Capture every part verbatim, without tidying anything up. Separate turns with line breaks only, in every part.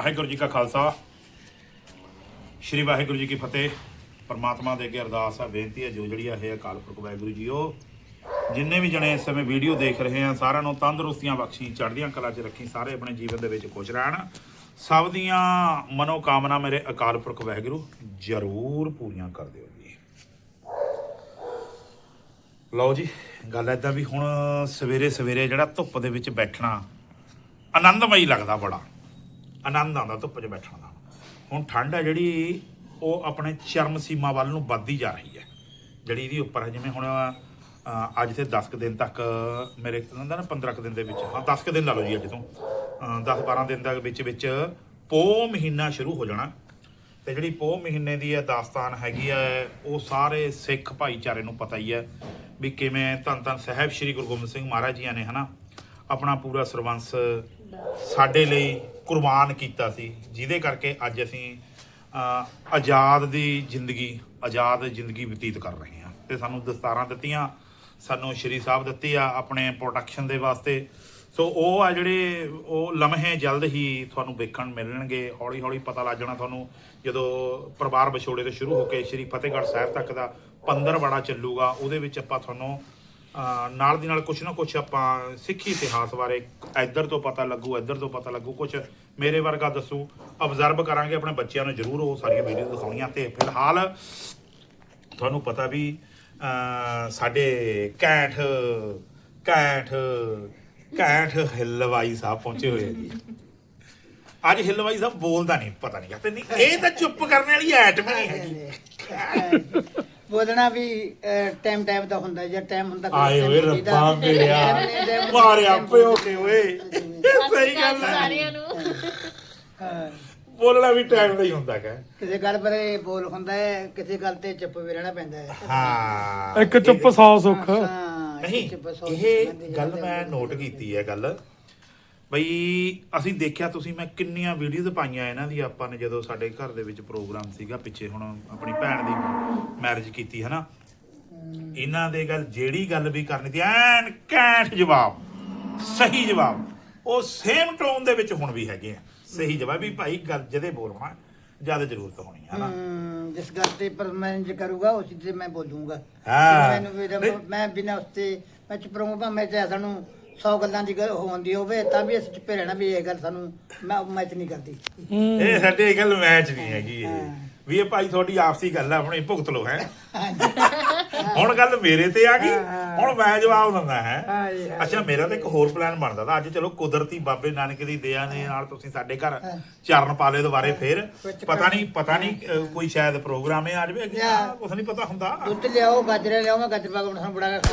ਵਾਹਿਗੁਰੂ ਜੀ ਕਾ ਖਾਲਸਾ ਸ਼੍ਰੀ ਵਾਹਿਗੁਰੂ ਜੀ ਕੀ ਫਤਿਹ। परमात्मा दे अगे अरदास है, बेनती है जो जी है अकाल पुरख वाहिगुरू जी हो जिन्ने भी जने इस समय वीडियो देख रहे हैं सारिਆਂ ਨੂੰ तंदुरुस्तियां बख्शी चढ़दियां कला च रखी, सारे अपने जीवन दे विच खुश रहन, सब दियां मनोकामना मेरे अकाल पुरख वाहिगुरू जरूर पूरीआं कर दिओ जी। लो जी गल इदां भी हुण सवेरे सवेरे जिहड़ा धुप्प दे विच बैठना आनंदमई लगदा, बड़ा आनंद आउंदा धुप्प च बैठण दा। हुण ठंड है जिहड़ी ਉਹ ਆਪਣੇ ਚਰਮ ਸੀਮਾ ਵੱਲ ਨੂੰ ਵੱਧਦੀ ਜਾ ਰਹੀ ਹੈ, ਜਿਹੜੀ ਇਹਦੀ ਉੱਪਰ ਹੈ। ਜਿਵੇਂ ਹੁਣ ਅੱਜ ਤੇ ਦਸ ਕੁ ਦਿਨ ਤੱਕ ਮੇਰੇ ਕਹਿੰਦਾ ਨਾ ਪੰਦਰਾਂ ਕੁ ਦਿਨ ਦੇ ਵਿੱਚ, ਹਾਂ ਦਸ ਕੁ ਦਿਨ ਲਾ ਲਓ ਜੀ, ਅੱਜ ਤੋਂ ਦਸ ਬਾਰਾਂ ਦਿਨ ਦੇ ਵਿੱਚ ਵਿੱਚ ਪੋਹ ਮਹੀਨਾ ਸ਼ੁਰੂ ਹੋ ਜਾਣਾ। ਤੇ ਜਿਹੜੀ ਪੋਹ ਮਹੀਨੇ ਦੀ ਇਹ ਦਾਸਤਾਨ ਹੈਗੀ ਹੈ ਉਹ ਸਾਰੇ ਸਿੱਖ ਭਾਈਚਾਰੇ ਨੂੰ ਪਤਾ ਹੀ ਹੈ ਵੀ ਕਿਵੇਂ ਧੰਨ ਧੰਨ ਸਾਹਿਬ ਸ਼੍ਰੀ ਗੁਰੂ ਗੋਬਿੰਦ ਸਿੰਘ ਮਹਾਰਾਜ ਜੀਆਂ ਨੇ ਹਨਾ ਆਪਣਾ ਪੂਰਾ ਸਰਬੰਸ ਸਾਡੇ ਲਈ ਕੁਰਬਾਨ ਕੀਤਾ ਸੀ, ਜਿਹਦੇ ਕਰਕੇ ਅੱਜ ਅਸੀਂ ਆਜ਼ਾਦ ਦੀ ਜ਼ਿੰਦਗੀ ਆਜ਼ਾਦ ਜ਼ਿੰਦਗੀ ਬਤੀਤ ਕਰ ਰਹੇ ਹਾਂ। ਤੇ ਸਾਨੂੰ ਦਸਤਾਰਾਂ ਦਿੱਤੀਆਂ, ਸਾਨੂੰ ਸ਼੍ਰੀ ਸਾਹਿਬ ਦਿੱਤੇ ਆ ਆਪਣੇ ਪ੍ਰੋਟੈਕਸ਼ਨ ਦੇ ਵਾਸਤੇ। ਸੋ ਉਹ ਆ ਜਿਹੜੇ ਉਹ ਲਮਹੇ ਜਲਦ ਹੀ ਤੁਹਾਨੂੰ ਵੇਖਣ ਮਿਲਣਗੇ। ਹੌਲੀ ਹੌਲੀ ਪਤਾ ਲੱਗ ਜਾਣਾ ਤੁਹਾਨੂੰ ਜਦੋਂ ਪਰਿਵਾਰ ਵਿਛੋੜੇ ਤੋਂ ਸ਼ੁਰੂ ਹੋ ਕੇ ਸ਼੍ਰੀ ਫਤਿਹਗੜ੍ਹ ਸਾਹਿਬ ਤੱਕ ਦਾ ਪੰਦਰਵਾੜਾ ਚੱਲੂਗਾ। ਉਹਦੇ ਵਿੱਚ ਆਪਾਂ ਤੁਹਾਨੂੰ ਨਾਲ ਦੀ ਨਾਲ ਕੁਛ ਨਾ ਕੁਛ ਆਪਾਂ ਸਿੱਖੀ ਇਤਿਹਾਸ ਬਾਰੇ ਇੱਧਰ ਤੋਂ ਪਤਾ ਲੱਗੂ, ਇੱਧਰ ਤੋਂ ਪਤਾ ਲੱਗੂ, ਕੁਛ ਮੇਰੇ ਵਰਗਾ ਦੱਸੂ, ਅਬਜ਼ਰਵ ਕਰਾਂਗੇ। ਆਪਣੇ ਬੱਚਿਆਂ ਨੂੰ ਜ਼ਰੂਰ ਉਹ ਸਾਰੀਆਂ ਵੀਡੀਓ ਦਿਖਾਉਣੀਆਂ। ਤੇ ਫਿਲਹਾਲ ਤੁਹਾਨੂੰ ਪਤਾ ਵੀ ਸਾਡੇ ਕੈਂਠ ਕੈਂਠ ਕੈਂਠ ਹਿੱਲਵਾਈ ਸਾਹਿਬ ਪਹੁੰਚੇ ਹੋਏ ਆ ਜੀ। ਅੱਜ ਹਿੱਲਵਾਈ ਸਾਹਿਬ ਬੋਲਦਾ ਨਹੀਂ, ਪਤਾ ਨਹੀਂ ਕਹਿੰਦੇ ਨਹੀਂ, ਇਹ ਤਾਂ ਚੁੱਪ ਕਰਨ ਵਾਲੀ ਐਟਮ ਨਹੀਂ ਹੈਗੀ।
ਬੋਲਣਾ ਵੀ ਟਾਈਮ ਟਾਈਮ ਦਾ ਹੁੰਦਾ, ਜੇ ਟਾਈਮ ਹੁੰਦਾ
ਆਏ ਓਏ ਰੱਬਾ ਮੇਰਿਆ ਮਾਰਿਆ ਪਿਓ ਕੇ ਓਏ, ਸਹੀ ਗੱਲ ਹੈ,
ਸਾਰਿਆਂ ਨੂੰ
ਬੋਲਣਾ ਵੀ ਟਾਈਮ ਦਾ ਹੀ ਹੁੰਦਾ ਹੈ।
ਕਿਸੇ ਗੱਲ ਬਾਰੇ ਬੋਲ ਹੁੰਦਾ ਹੈ, ਕਿਸੇ ਗੱਲ ਤੇ ਚੁੱਪ ਵੀ ਰਹਿਣਾ ਪੈਂਦਾ ਹੈ।
ਹਾਂ
ਇੱਕ ਚੁੱਪ ਸੌ ਸੁੱਖ।
ਨਹੀਂ, ਇਹ ਗੱਲ ਮੈਂ ਨੋਟ ਕੀਤੀ ਹੈ ਗੱਲ ਬਈ ਅਸੀਂ ਦੇਖਿਆ, ਤੁਸੀਂ ਮੈਂ ਕਿੰਨੀਆਂ ਵੀਡੀਓਜ਼ ਪਾਈਆਂ ਇਹਨਾਂ ਦੀ ਆਪਾਂ ਨੇ ਜਦੋਂ ਸਾਡੇ ਘਰ ਦੇ ਵਿੱਚ ਪ੍ਰੋਗਰਾਮ ਸੀਗਾ ਪਿੱਛੇ, ਹੁਣ ਆਪਣੀ ਭੈਣ ਦੀ ਮੈਰਿਜ ਕੀਤੀ ਹੈ ਨਾ, ਇਹਨਾਂ ਦੇ ਗੱਲ ਜਿਹੜੀ ਗੱਲ ਵੀ ਕਰਨੀ ਤੀ ਐਨ ਕੈਂਠ ਜਵਾਬ, ਸਹੀ ਜਵਾਬ, ਉਹ ਸੇਮ ਟੋਨ ਦੇ ਵਿੱਚ ਹੁਣ ਵੀ ਹੈਗੇ ਆ ਸਹੀ ਜਵਾਬ ਵੀ ਭਾਈ ਗੱਲ ਜਦੇ ਬੋਲਣਾ ਜਿਆਦਾ ਜ਼ਰੂਰਤ ਹੋਣੀ ਹੈ ਨਾ।
ਜਿਸ ਗੱਲ ਤੇ ਪਰਮਾਨੈਂਟ ਕਰੂਗਾ ਉਸੇ ਤੇ ਮੈਂ ਬੋਲੂੰਗਾ।
ਹਾਂ
ਮੈਨੂੰ ਮੈਂ ਬਿਨਾਂ ਉਸ ਤੇ ਮੈਂ ਚੁੱਪ ਰਹੂੰਗਾ। ਮੈਂ ਚਾਹੇ ਸਾਨੂੰ ਸੌ ਗੱਲਾਂ ਦੀ ਗੱਲ ਹੁੰਦੀ ਹੋਵੇ ਤਾਂ ਵੀ ਅਸੀਂ ਚੁੱਪੇ ਰਹਿਣਾ ਵੀ ਇਹ ਗੱਲ ਸਾਨੂੰ ਮੈਂ ਮੈਚ ਨਹੀਂ ਕਰਦੀ।
ਇਹ ਸਾਡੇ ਗੱਲ ਮੈਚ ਨਹੀਂ ਹੈਗੀ ਇਹ ਵੀ ਇਹ ਭਾਈ ਤੁਹਾਡੀ ਆਪਸੀ ਗੱਲ ਹੈ, ਆਪਣੀ ਭੁਗਤ ਲੋ ਹੈ। ਹੁਣ ਗੱਲ ਮੇਰੇ ਤੇ ਆ ਗਈ, ਹੁਣ ਮੈਂ ਜਵਾਬ ਦਿੰਦਾ ਹੈ। ਅੱਛਾ ਮੇਰਾ ਤਾਂ ਇੱਕ ਹੋਰ ਪਲਾਨ ਬਣਦਾ ਤਾਂ ਅੱਜ ਚਲੋ ਕੁਦਰਤੀ ਬਾਬੇ ਨਾਨਕ ਦੀ ਦਇਆ ਨੇ ਨਾਲ ਤੁਸੀਂ ਸਾਡੇ ਘਰ ਚਰਨ ਪਾਲੇ ਦੁਬਾਰੇ ਫੇਰ ਪਤਾ ਨਹੀਂ ਪਤਾ ਨਹੀਂ ਕੋਈ ਸ਼ਾਇਦ ਪ੍ਰੋਗਰਾਮ ਹੈ ਅੱਜ ਵੀ, ਕੁਛ ਨਹੀਂ ਪਤਾ ਹੁੰਦਾ।
ਦੁੱਧ ਲਿਆਓ, ਗਾਜਰੇ ਲਿਆਓ, ਮੈਂ ਗਾਜਰ ਪਾ ਕੇ ਤੁਹਾਨੂੰ ਬੜਾ ਕੇ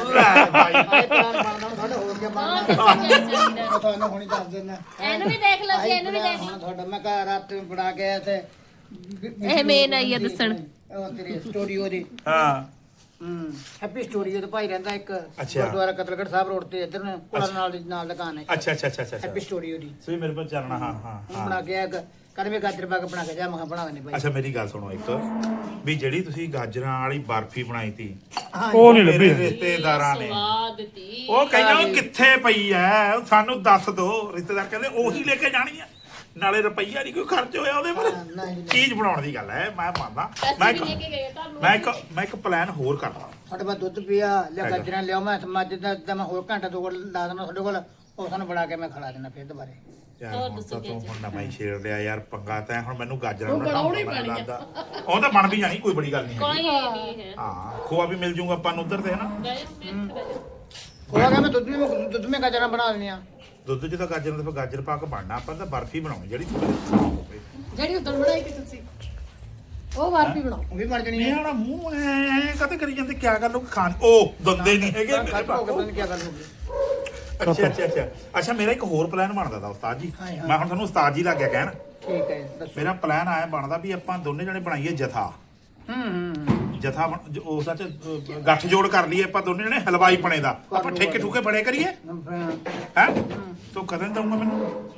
ਤੁਹਾਨੂੰ ਹੁਣੀ ਦੱਸ ਦਿੰਦਾ।
ਇਹਨੂੰ ਵੀ ਦੇਖ ਲਓ ਜੀ, ਇਹਨੂੰ ਵੀ ਦੇਖ ਲਓ।
ਤੁਹਾਡਾ ਮੈਂ ਘਰ ਰਾਤ ਬਣਾ ਕੇ ਆਇਆ ਤੇ
ਇਹ ਮੇਨ ਆਈ ਆ ਦੱਸਣ
ਉਹ ਤੇਰੀ ਸਟੋਰੀ ਉਹਦੀ।
ਹਾਂ
ਹੂੰ ਹੈਪੀ ਸਟੋਰੀ ਉਹਦਾ ਭਾਈ ਰਹਿੰਦਾ ਇੱਕ
ਅੱਛਾ।
ਗੁਰਦੁਆਰਾ ਕਤਲਗੜ੍ਹ ਸਾਹਿਬ ਰੋਡ ਤੇ ਇੱਧਰ ਨੂੰ ਕੋਲਾ ਨਾਲ ਦੀ ਨਾਲ ਦੁਕਾਨ ਹੈ।
ਅੱਛਾ ਅੱਛਾ ਅੱਛਾ ਅੱਛਾ
ਹੈਪੀ ਸਟੋਰੀ ਉਹਦੀ
ਸੋ ਮੇਰੇ ਕੋਲ ਚੱਲਣਾ। ਹਾਂ ਹਾਂ
ਹੁਣ ਬਣਾ ਕੇ ਆਇਆ ਕਦਮੇ ਗਾਜਰ ਪਾ ਕੇ ਬਣਾ ਕੇ ਜਾ, ਮੈਂ ਬਣਾ ਦੇਣੇ ਭਾਈ।
ਅੱਛਾ ਮੇਰੀ ਗੱਲ ਸੁਣੋ ਇੱਕ ਵੀ ਜਿਹੜੀ ਤੁਸੀਂ ਗਾਜਰਾਂ ਵਾਲੀ ਬਰਫੀ ਬਣਾਈ ਤੀ
ਉਹ ਨਹੀਂ
ਮੇਰੇ
ਲੱਭੀ।
ਰਿਸ਼ਤੇਦਾਰਾਂ ਨੇ
ਸਵਾਦ ਤੀ
ਉਹ ਕਹਿੰਦਾ ਉਹ ਕਿੱਥੇ ਪਈ ਐ, ਸਾਨੂੰ ਦੱਸ ਦੋ। ਰਿਸ਼ਤੇਦਾਰ ਕਹਿੰਦੇ ਉਹੀ ਲੈ ਕੇ ਜਾਣੀ ਆ, ਨਾਲੇ ਰੁਪਈਆ ਨਹੀਂ ਕੋਈ ਖਰਚ ਹੋਇਆ ਉਹਦੇ ਪਰ। ਚੀਜ਼ ਬਣਾਉਣ ਦੀ ਗੱਲ ਹੈ, ਮੈਂ ਮੰਨਦਾ। ਮੈਂ
ਅਸੀਂ ਵੀ ਲੈ ਕੇ ਗਏ ਤੁਹਾਨੂੰ।
ਮੈਂ ਇੱਕ ਮੈਂ ਇੱਕ ਪਲਾਨ ਹੋਰ ਕਰਦਾ।
ਸਾਡੇ ਕੋਲ ਦੁੱਧ ਪਿਆ ਲਿਆ, ਗਾਜਰਾਂ ਲਿਆਓ, ਮੈਂ ਮੱਝ ਦਾ ਦਾ ਮੈਂ ਹੋਰ ਘੰਟਾ ਦੋ ਕੋਲ ਲਾ ਦੇਣਾ ਤੁਹਾਡੇ ਕੋਲ, ਉਹ ਸਾਨੂੰ ਬਣਾ ਕੇ ਮੈਂ ਖੜਾ ਦੇਣਾ ਫਿਰ ਦੁਬਾਰੇ।
ਯਾਰ ਹੁਣ ਤਾਂ ਤੂੰ ਹੁਣ ਨਵਾਂ ਹੀ ਛੇੜ ਲਿਆ ਯਾਰ ਪੰਗਾ ਤੈਂ, ਹੁਣ ਮੈਨੂੰ ਗਾਜਰਾਂ ਨੂੰ ਬਣਾਉਣੀ ਪੈਣੀ ਆ। ਉਹ ਤਾਂ ਬਣ ਵੀ ਜਾਣੀ, ਕੋਈ ਬੜੀ ਗੱਲ ਨਹੀਂ
ਕੋਈ
ਹੈਗੀ।
ਨਹੀਂ ਹੈ।
ਹਾਂ ਖੋਆ ਵੀ ਮਿਲ ਜੂਗਾ ਆਪਾਂ ਨੂੰ ਉਧਰ ਤੇ ਹਨਾ।
ਉਹ ਆ ਗਿਆ ਮੈਂ ਦੁੱਧ में ਦੁੱਧ में ਗਾਜਰਾਂ ਬਣਾ ਲੈਣੀਆਂ।
ਦੁੱਧ 'ਚ ਤਾਂ ਗਾਜਰਾਂ ਤੇ ਗਾਜਰ ਪਾ ਕੇ ਬਣਨਾ, ਆਪਾਂ ਤਾਂ ਬਰਫੀ ਬਣਾਉਣੀ ਜਿਹੜੀ
ਜਿਹੜੀ ਉਦੋਂ ਬਣਾਈ ਕਿ ਤੁਸੀਂ ਉਹ ਬਰਫੀ ਬਣਾਓ,
ਉਹ ਵੀ ਬਣ ਜਣੀ
ਇਹ
ਹੈ।
ਵਾਲਾ ਮੂੰਹ ਐ ਕਦੇ ਕਰੀ ਜਾਂਦੇ, ਕਿਆ ਗੱਲ ਉਹ ਖਾਣ ਉਹ ਦੰਦੇ ਨਹੀਂ ਹੈਗੇ ਮੇਰੇ
ਖੱਟ ਹੋ ਕੇ
ਕੋਲ।
ਪਤਾ ਨਹੀਂ ਕੀ ਗੱਲ ਹੋ ਗਈ।
ਅੱਛਾ ਅੱਛਾ ਅੱਛਾ ਅੱਛਾ ਮੇਰਾ ਇੱਕ ਹੋਰ ਪਲਾਨ ਬਣਦਾ ਤਾ ਉਸਤਾਦ ਜੀ।
ਹਾਂ, ਹਾਂ।
ਮੈਂ ਹੁਣ ਤੁਹਾਨੂੰ ਉਸਤਾਦ ਜੀ ਲੱਗ ਗਿਆ ਕਹਿਣ।
ਠੀਕ ਹੈ ਦੱਸੋ।
ਮੇਰਾ ਪਲਾਨ ਆਇਆ ਬਣਦਾ ਵੀ ਆਪਾਂ ਦੋਨੇ ਜਣੇ ਬਣਾਈਏ ਜਥਾ।
ਹੂੰ ਹੂੰ
ਜਥਾ ਬਣ- ਜੋ ਉਹ ਸੱਚ ਅ, ਗੱਠ ਜੋੜ ਕਰ ਲਈਏ ਆਪਾਂ ਦੋਨੇ ਜਣੇ ਹਲਵਾਈ ਬਣੇ ਦਾ। ਆਪਾਂ ਠੇਕੇ ਠੁਕੇ ਬੜੇ ਕਰੀਏ ਹੈ। ਤੂੰ ਕਦੋਂ ਦਊਂਗਾ ਮੈਨੂੰ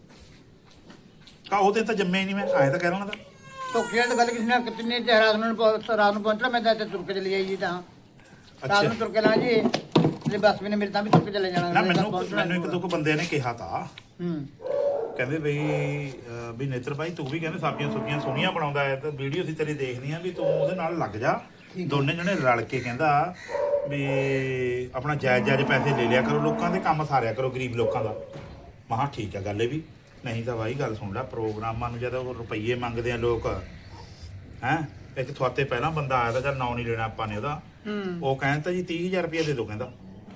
ਕਾ ਉਹਦੇ ਤਾਂ ਜੰਮੇ ਨਹੀਂ, ਮੈਂ ਆਏ ਤਾਂ ਕਹਿ ਰਹਾ ਦਾ।
ਧੋਖਿਆਂ ਦੀ ਗੱਲ ਕਿਸੇ ਨਾਲ ਕਿਤਨੇ ਤੇ ਰਾਤ ਨੂੰ ਪਹੁੰ- ਰਾਤ ਨੂੰ ਪਹੁੰਚਣਾ, ਮੈਂ ਤਾਂ ਇੱਥੇ ਤੁਰ ਕੇ ਚਲੀ ਆਈ ਜੀ ਤਾਂ ਰਾਤ ਨੂੰ ਤੁਰ ਕੇ ਲਾ ਜੀ ਤੇ ਬੱਸ ਵੀ ਨੇ ਮੇਰੇ ਤਾਂ ਵੀ ਤੁਰ ਕੇ ਚਲੇ ਜਾਣਾ।
ਨਾ ਮੈਨੂੰ ਮੈਨੂੰ ਇੱਕ ਦੋ ਕੁ ਬੰਦੇ ਨੇ ਕਿਹਾ ਤਾ
ਹੂੰ
ਕਹਿੰਦੇ ਬਈ ਅਹ ਵੀ ਨੇਤਰ ਭਾਈ ਤੂੰ ਵੀ ਕਹਿੰਦੇ ਸਬਜ਼ੀਆਂ ਸੁਬਜ਼ੀਆਂ ਸੋਹਣੀਆਂ ਬਣਾਉਂਦਾ ਹੈ ਤੇ ਵੀਡੀਓ ਅਸੀਂ ਤੇਰੀ ਦੇਖਦੀ ਆ ਵੀ ਤੂੰ ਉਹਦੇ ਨਾਲ ਲੱਗ ਜਾ ਦੋਨੇ ਜਣੇ ਰਲ ਕੇ ਕਹਿੰਦਾ ਵੀ ਆਪਣਾ ਜਾਇਜ਼ ਜਾਇਜ਼ ਪੈਸੇ ਲੈ ਲਿਆ ਕਰੋ ਲੋਕਾਂ ਦੇ ਕੰਮ ਸਾਰਿਆ ਕਰੋ ਗਰੀਬ ਲੋਕਾਂ ਦਾ। ਮਹਾ ਠੀਕ ਆ ਗੱਲ ਇਹ ਵੀ ਨਹੀਂ ਤਾਂ ਭਾਈ ਗੱਲ ਸੁਣ ਲੈ ਪ੍ਰੋਗਰਾਮਾਂ ਨੂੰ ਜਦੋਂ ਰੁਪਈਏ ਮੰਗਦੇ ਆ ਲੋਕ ਹੈਂ ਇੱਕ ਤੁਹਾਤੇ ਪਹਿਲਾਂ ਬੰਦਾ ਆਇਆ ਤਾਂ ਚੱਲ ਨਾਂ ਨਹੀਂ ਲੈਣਾ ਆਪਾਂ ਨੇ ਉਹਦਾ ਉਹ ਕਹਿੰਦਾ ਜੀ ਤੀਹ ਹਜ਼ਾਰ ਰੁਪਇਆ ਦੇ ਦਿਓ ਕਹਿੰਦਾ